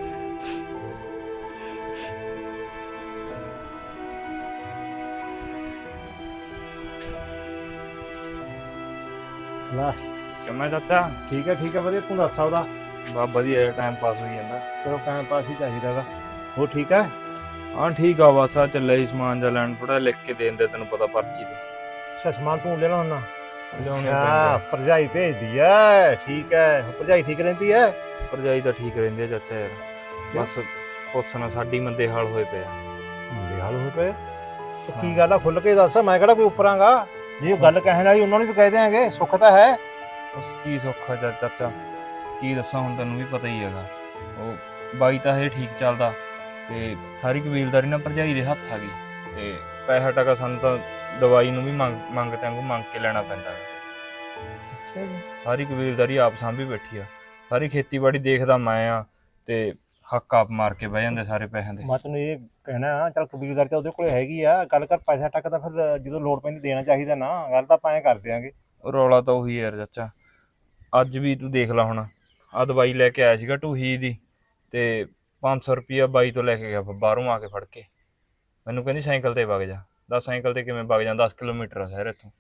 [SPEAKER 6] ਲੈ
[SPEAKER 3] ਕਿਵੇਂ ਚਾਚਾ?
[SPEAKER 6] ਠੀਕ ਹੈ ਠੀਕ ਹੈ ਵਧੀਆ, ਤੂੰ ਦੱਸ ਸਕਦਾ।
[SPEAKER 3] ਬਾ ਵਧੀਆ ਟਾਈਮ ਪਾਸ ਹੋਈ ਜਾਂਦਾ।
[SPEAKER 6] ਚਲੋ ਟਾਈਮ ਪਾਸ ਹੀ ਚਾਹੀਦਾ ਗਾ। ਹੋਰ ਠੀਕ ਹੈ?
[SPEAKER 3] ਹਾਂ ਠੀਕ ਆ, ਬਸ ਆ ਚੱਲਿਆ ਸੀ ਸਮਾਨ ਜਿਹਾ ਲੈਣ, ਥੋੜਾ ਲਿਖ ਕੇ ਦੇ ਦਿੰਦੇ, ਤੈਨੂੰ ਪਤਾ ਪਰਚੀ ਤੇ
[SPEAKER 6] ਅੱਛਾ ਸਮਾਨ ਤੂੰ ਲੈਣਾ ਹੁੰਨਾ?
[SPEAKER 3] ਲਿਆਉਣੇ
[SPEAKER 6] ਹਾਂ
[SPEAKER 3] ਪੈਂਦੇ।
[SPEAKER 6] ਭਰਜਾਈ ਭੇਜਦੀ ਐ, ਠੀਕ ਹੈ। ਭਰਜਾਈ ਠੀਕ ਰਹਿੰਦੀ ਐ?
[SPEAKER 3] ਭਰਜਾਈ ਤਾਂ ਠੀਕ ਰਹਿੰਦੀ ਆ ਚਾਚਾ ਯਾਰ, ਬਸ ਪੁੱਛਣਾ ਸਾਡੀ ਮੰਦੇ ਹਾਲ ਹੋਏ ਪਏ ਆ।
[SPEAKER 6] ਮੁੰਡੇ ਹਾਲ ਹੋਏ ਪਏ ਤੇ ਕੀ ਗੱਲ ਆ, ਖੁੱਲ ਕੇ ਦੱਸ। ਮੈਂ ਕਿਹੜਾ ਕੋਈ ਉੱਪਰਾਂਗਾ, ਜੇ ਉਹ ਗੱਲ ਕਹਿਣ ਵਾਲੀ ਉਹਨਾਂ ਨੂੰ ਵੀ ਕਹਿ ਦਿਆਂਗੇ, ਸੁੱਖ ਤਾਂ ਹੈ।
[SPEAKER 3] ਉਸ ਕੀ ਸੌਖਾ ਚਾ- ਚਾਚਾ ਕੀ ਦੱਸਾਂ, ਹੁਣ ਤੈਨੂੰ ਵੀ ਪਤਾ ਹੀ ਹੈਗਾ, ਉਹ ਬਾਈ ਤਾਂ ਇਹ ਠੀਕ ਚੱਲਦਾ ਤੇ ਸਾਰੀ ਕਬੀਲਦਾਰੀ ਨਾ ਭਰਜਾਈ ਦੇ ਹੱਥ ਆ ਗਈ, ਤੇ ਪੈਸਾ ਟਕਾ ਸਾਨੂੰ ਤਾਂ ਦਵਾਈ ਨੂੰ ਵੀ ਮੰਗ ਮੰਗ ਤੈਨੂੰ ਮੰਗ ਕੇ ਲੈਣਾ ਪੈਂਦਾ ਹੈ।
[SPEAKER 6] ਅੱਛਾ ਜੀ।
[SPEAKER 3] ਸਾਰੀ ਕਬੀਲਦਾਰੀ ਆਪ ਸਾਂਭੀ ਬੈਠੀ ਆ, ਸਾਰੀ ਖੇਤੀਬਾੜੀ ਦੇਖਦਾ ਮੈਂ ਆ, ਤੇ ਹੱਕ ਆਪ ਮਾਰ ਕੇ ਬਹਿ ਜਾਂਦੇ ਸਾਰੇ ਪੈਸਿਆਂ ਦੇ।
[SPEAKER 6] ਮੈਂ ਤੈਨੂੰ ਇਹ ਕਹਿਣਾ, ਚੱਲ ਕਬੀਲਦਾਰੀ ਤਾਂ ਉਹਦੇ ਕੋਲੇ ਹੈਗੀ ਆ, ਗੱਲ ਕਰ ਪੈਸਾ ਟੱਕ ਤਾਂ ਫਿਰ ਜਦੋਂ ਲੋੜ ਪੈਂਦੀ ਦੇਣਾ ਚਾਹੀਦਾ ਨਾ। ਗੱਲ ਤਾਂ ਆਪਾਂ ਐਂ ਕਰ ਦਿਆਂਗੇ।
[SPEAKER 3] ਰੌਲਾ ਤਾਂ ਉਹੀ ਯਾਰ ਚਾਚਾ, ਅੱਜ ਵੀ ਤੂੰ ਦੇਖ ਲੈ, ਹੁਣ ਆ ਦਵਾਈ ਲੈ ਕੇ ਆਇਆ ਸੀਗਾ ਢੂਹੀ ਦੀ, ਤੇ ਪੰਜ ਸੌ ਰੁਪਈਆ ਬਾਈ ਤੋਂ ਲੈ ਕੇ ਗਿਆ ਬਾਹਰੋਂ ਆ ਕੇ ਫੜ ਕੇ। ਮੈਨੂੰ ਕਹਿੰਦੀ ਸਾਈਕਲ ਤੇ ਵਗ ਜਾ। ਦਸ ਸਾਈਕਲ ਤੇ ਕਿਵੇਂ ਵਗ ਜਾ, ਦਸ ਕਿਲੋਮੀਟਰ ਆ ਸ਼ਹਿਰ ਇੱਥੋਂ।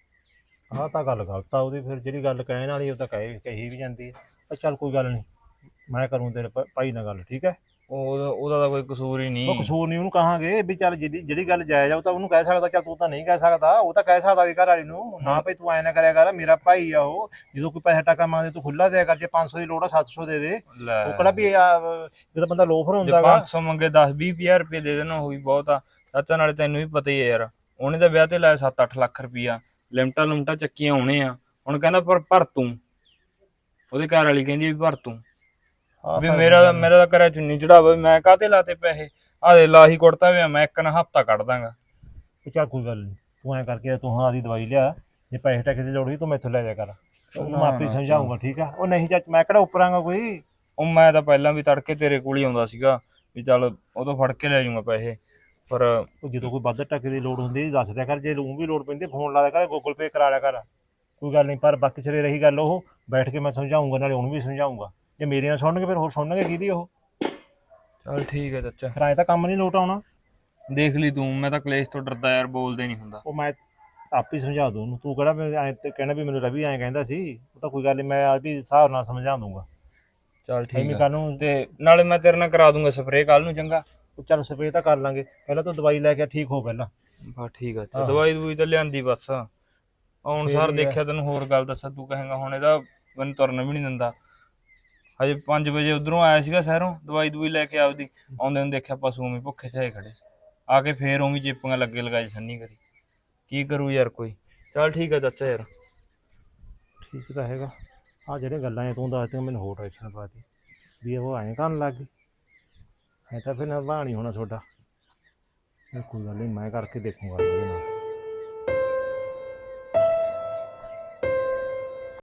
[SPEAKER 6] ਆਹ ਤਾਂ ਗੱਲ ਗਲਤ ਆ ਉਹਦੀ, ਫਿਰ ਜਿਹੜੀ ਗੱਲ ਕਹਿਣ ਵਾਲੀ ਉਹ ਤਾਂ ਕਹੇ ਕਹੀ ਵੀ ਜਾਂਦੀ ਹੈ। ਪਰ ਚੱਲ ਕੋਈ ਗੱਲ ਨਹੀਂ, ਮੈਂ ਕਰੂੰ ਤੇਰੇ ਭ- ਭਾਈ ਨਾਲ ਗੱਲ, ਠੀਕ ਹੈ?
[SPEAKER 3] ਉਹਦਾ ਉਹਦਾ ਤਾਂ ਕੋਈ ਕਸੂਰ ਹੀ
[SPEAKER 6] ਉਹ
[SPEAKER 3] ਨਹੀਂ।
[SPEAKER 6] ਕਸੂਰ ਨਹੀਂ, ਉਹਨੂੰ ਕਹਾਂਗੇ ਵੀ ਚੱਲ ਜਿਹੜੀ ਜਿਹੜੀ ਗੱਲ ਜਾਇਜ਼ ਆ ਉਹ ਤਾਂ ਉਹਨੂੰ ਕਹਿ ਸਕਦਾ। ਚੱਲ ਤੂੰ ਤਾਂ ਨਹੀਂ ਕਹਿ ਸਕਦਾ, ਉਹ ਤਾਂ ਕਹਿ ਸਕਦਾ ਵੀ ਘਰ ਵਾਲੀ ਨੂੰ, ਨਾ ਭਾਈ ਤੂੰ ਐਂ ਨਾ ਕਰਿਆ ਕਰ, ਮੇਰਾ ਭਾਈ ਆ ਉਹ, ਜਦੋਂ ਕੋਈ ਪੈਸਾ ਟਾਕਾ ਮੰਗਦੇ ਤੂੰ ਖੁੱਲਾ ਦਿਆ ਕਰ। ਜੇ ਪੰਜ ਸੌ ਦੀ ਲੋੜ ਆ ਸੱਤ ਸੌ ਦੇ ਦੇ।
[SPEAKER 3] ਲੈ
[SPEAKER 6] ਉਹ ਕਿਹੜਾ ਵੀ ਆ, ਜਦੋਂ ਬੰਦਾ ਲੋਫਰ
[SPEAKER 3] ਜੇ
[SPEAKER 6] ਹੁੰਦਾ ਗਾ।
[SPEAKER 3] ਪੰਜ ਸੌ ਮੰਗੇ ਦਸ ਵੀਹ ਹਜ਼ਾਰ ਰੁਪਏ ਦੇ ਦੇਣਾ, ਉਹ ਵੀ ਬਹੁਤ ਆ ਚਾਚਾ। ਨਾਲੇ ਤੈਨੂੰ ਵੀ ਪਤਾ ਹੀ ਹੈ ਯਾਰ, ਉਹਨੇ ਤਾਂ ਵਿਆਹ ਤੇ ਲਾਇਆ ਸੱਤ ਅੱਠ ਲੱਖ ਰੁਪਈਆ, ਲਿਮਟਾਂ ਲੁਮਟਾਂ ਚੱਕੀਆਂ ਹੋਣੇ ਆ। ਹੁਣ ਕਹਿੰਦਾ ਪਰ ਭਰ ਤੂੰ, ਉਹਦੇ ਘਰ ਵਾਲੀ ਕਹਿੰਦੀ ਵੀ ਭਰ ਤੂੰ,
[SPEAKER 6] ਆਹ
[SPEAKER 3] ਵੀ
[SPEAKER 6] ਤਾਂ
[SPEAKER 3] ਮੇਰਾ ਤਾਂ ਮੇਰਾ ਤਾਂ ਕਰਿਆ ਚੁੰਨੀ ਚੜਾਵਾ, ਮੈਂ ਕਾਹਤੇ ਲਾਤੇ ਪੈਸੇ, ਆਹ ਦੇ ਲਾਹੀ ਕੁੜਤਾ ਵੀ ਆ, ਮੈਂ ਇੱਕ ਨਾ ਹਫ਼ਤਾ ਕੱਢ ਦਾਂਗਾ।
[SPEAKER 6] ਵੀ ਚੱਲ ਕੋਈ ਗੱਲ ਨਹੀਂ, ਤੂੰ ਐਂ ਕਰਕੇ ਤੂੰ ਹਾਂ ਆਦੀ ਦਵਾਈ ਲਿਆ, ਜੇ ਪੈਸੇ ਟਾਕੇ ਦੀ ਲੋੜ ਹੋਈ ਤੂੰ ਮੈਥੋਂ ਲੈ ਜਾ ਕਰ। ਉਹਨੂੰ ਆਪੇ ਹੀ ਸਮਝਾਉਂਗਾ, ਠੀਕ ਆ? ਉਹ ਨਹੀਂ ਚਾਚ, ਮੈਂ ਕਿਹੜਾ ਉੱਪਰਾਂਗਾ ਕੋਈ।
[SPEAKER 3] ਉਹ ਮੈਂ ਤਾਂ ਪਹਿਲਾਂ ਵੀ ਤੜਕੇ ਤੇਰੇ ਕੋਲ ਹੀ ਆਉਂਦਾ ਸੀਗਾ ਵੀ ਚੱਲ ਉਦੋਂ ਫੜ ਕੇ ਲੈ ਜਾਊਂਗਾ ਪੈਸੇ, ਪਰ
[SPEAKER 6] ਉਹ ਜਦੋਂ ਕੋਈ ਵੱਧ ਟਾਕੇ ਦੀ ਲੋੜ ਹੁੰਦੀ ਦੱਸ ਦਿਆ ਕਰ। ਜੇ ਲੂੰ ਵੀ ਲੋੜ ਪੈਂਦੀ ਫੋਨ ਲਾ ਦਿਆ ਕਰ, ਗੂਗਲ ਪੇ ਕਰਾ ਲਿਆ ਕਰ, ਕੋਈ ਗੱਲ ਨਹੀਂ। ਪਰ ਬਾਕੀ ਚਲੇ ਰਹੀ ਗੱਲ, ਉਹ ਬੈਠ ਕੇ ਮੈਂ ਸਮਝਾਉਂਗਾ, ਨਾਲੇ ਉਹਨੂੰ ਵੀ ਸਮਝਾਉਂਗਾ। ਜੇ ਮੇਰੀਆਂ ਸੁਣਨਗੇ ਫਿਰ ਹੋਰ ਸੁਣਨਗੇ ਕਿਹਦੀ ਉਹ?
[SPEAKER 3] ਚੱਲ ਠੀਕ ਹੈ ਚਾਚਾ,
[SPEAKER 6] ਫਿਰ ਐਂ ਤਾਂ ਕੰਮ ਨਹੀਂ ਲੋਟ ਆਉਣਾ।
[SPEAKER 3] ਦੇਖ ਲਈ ਤੂੰ, ਮੈਂ ਤਾਂ ਕਲੇਸ਼ ਤੋਂ ਡਰਦਾ ਯਾਰ, ਬੋਲਦੇ ਨਹੀਂ ਹੁੰਦਾ।
[SPEAKER 6] ਉਹ ਮੈਂ ਆਪ ਹੀ ਸਮਝਾ ਦੂੰ ਉਹਨੂੰ, ਤੂੰ ਕਿਹੜਾ ਮੈਂ ਐਂ ਤੇ ਕਹਿਣਾ ਵੀ ਮੈਨੂੰ ਰਵੀ ਐਂ ਕਹਿੰਦਾ ਸੀ। ਉਹ ਤਾਂ ਕੋਈ ਗੱਲ ਨਹੀਂ, ਮੈਂ ਆਪ ਹੀ ਹਿਸਾਬ ਨਾਲ ਸਮਝਾ ਦੂੰਗਾ।
[SPEAKER 3] ਚੱਲ ਠੀਕ
[SPEAKER 6] ਐਵੇਂ
[SPEAKER 3] ਹੈ,
[SPEAKER 6] ਕੱਲ ਨੂੰ
[SPEAKER 3] ਤੇ ਨਾਲੇ ਮੈਂ ਤੇਰੇ ਨਾਲ ਕਰਾ ਦੂੰਗਾ ਸਪਰੇਅ ਕੱਲ ਨੂੰ, ਚੰਗਾ?
[SPEAKER 6] ਚੱਲ ਸਪਰੇਅ ਤਾਂ ਕਰ ਲਾਂਗੇ, ਪਹਿਲਾਂ ਤੂੰ ਦਵਾਈ ਲੈ ਕੇ ਠੀਕ ਹੋ ਪਹਿਲਾਂ।
[SPEAKER 3] ਬਸ ਠੀਕ ਆ ਅੱਛਾ,
[SPEAKER 6] ਹਾਂ।
[SPEAKER 3] ਦਵਾਈ ਦਵਾਈ ਤਾਂ ਲਿਆਂਦੀ ਬਸ। ਹੁਣ
[SPEAKER 6] ਫੇਰ
[SPEAKER 3] ਸਰ
[SPEAKER 6] ਹੀ ਆ।
[SPEAKER 3] ਦੇਖਿਆ, ਤੈਨੂੰ ਹੋਰ ਗੱਲ ਦੱਸਾਂ, ਤੂੰ ਕਹੇਂਗਾ ਹੁਣ ਇਹਦਾ ਮੈਨੂੰ ਤੁਰਨ ਵੀ ਨਹੀਂ ਦਿੰਦਾ। ਹਜੇ ਪੰਜ ਵਜੇ ਉਧਰੋਂ ਆਇਆ ਸੀਗਾ ਸ਼ਹਿਰੋਂ, ਦਵਾਈ ਦਵਾਈ ਲੈ ਕੇ ਆਪਦੀ, ਆਉਂਦੇ ਨੂੰ ਦੇਖਿਆ ਪਸ਼ੂ ਉਵੇਂ ਭੁੱਖੇ ਤੇ ਖੜੇ, ਆ ਕੇ ਫੇਰ ਉਵੇਂ ਚੇਪੀਆਂ ਲੱਗੇ ਲਗਾਏ ਸੰਨੀ ਕਰੀ। ਕੀ ਕਰੂ ਯਾਰ ਕੋਈ। ਚੱਲ ਠੀਕ ਆ ਚਾਚਾ ਯਾਰ।
[SPEAKER 6] ਠੀਕ ਤਾਂ ਹੈਗਾ। ਆ ਜਿਹੜੇ ਗੱਲਾਂ ਐ ਤੂੰ ਦੱਸਦੇ ਮੈਨੂੰ ਹੋਰ ਟੈਨਸ਼ਨ ਪਾਤੀ ਵੀ ਉਹ ਐਂ ਕਰਨ ਲੱਗ ਗਈ। ਐ ਤਾਂ ਫਿਰ ਨਿਭਾ ਨਹੀਂ ਹੋਣਾ ਤੁਹਾਡਾ। ਕੋਈ ਗੱਲ ਨਹੀਂ, ਮੈਂ ਕਰਕੇ ਦੇਖੂੰਗਾ ਉਹਦੇ ਨਾਲ।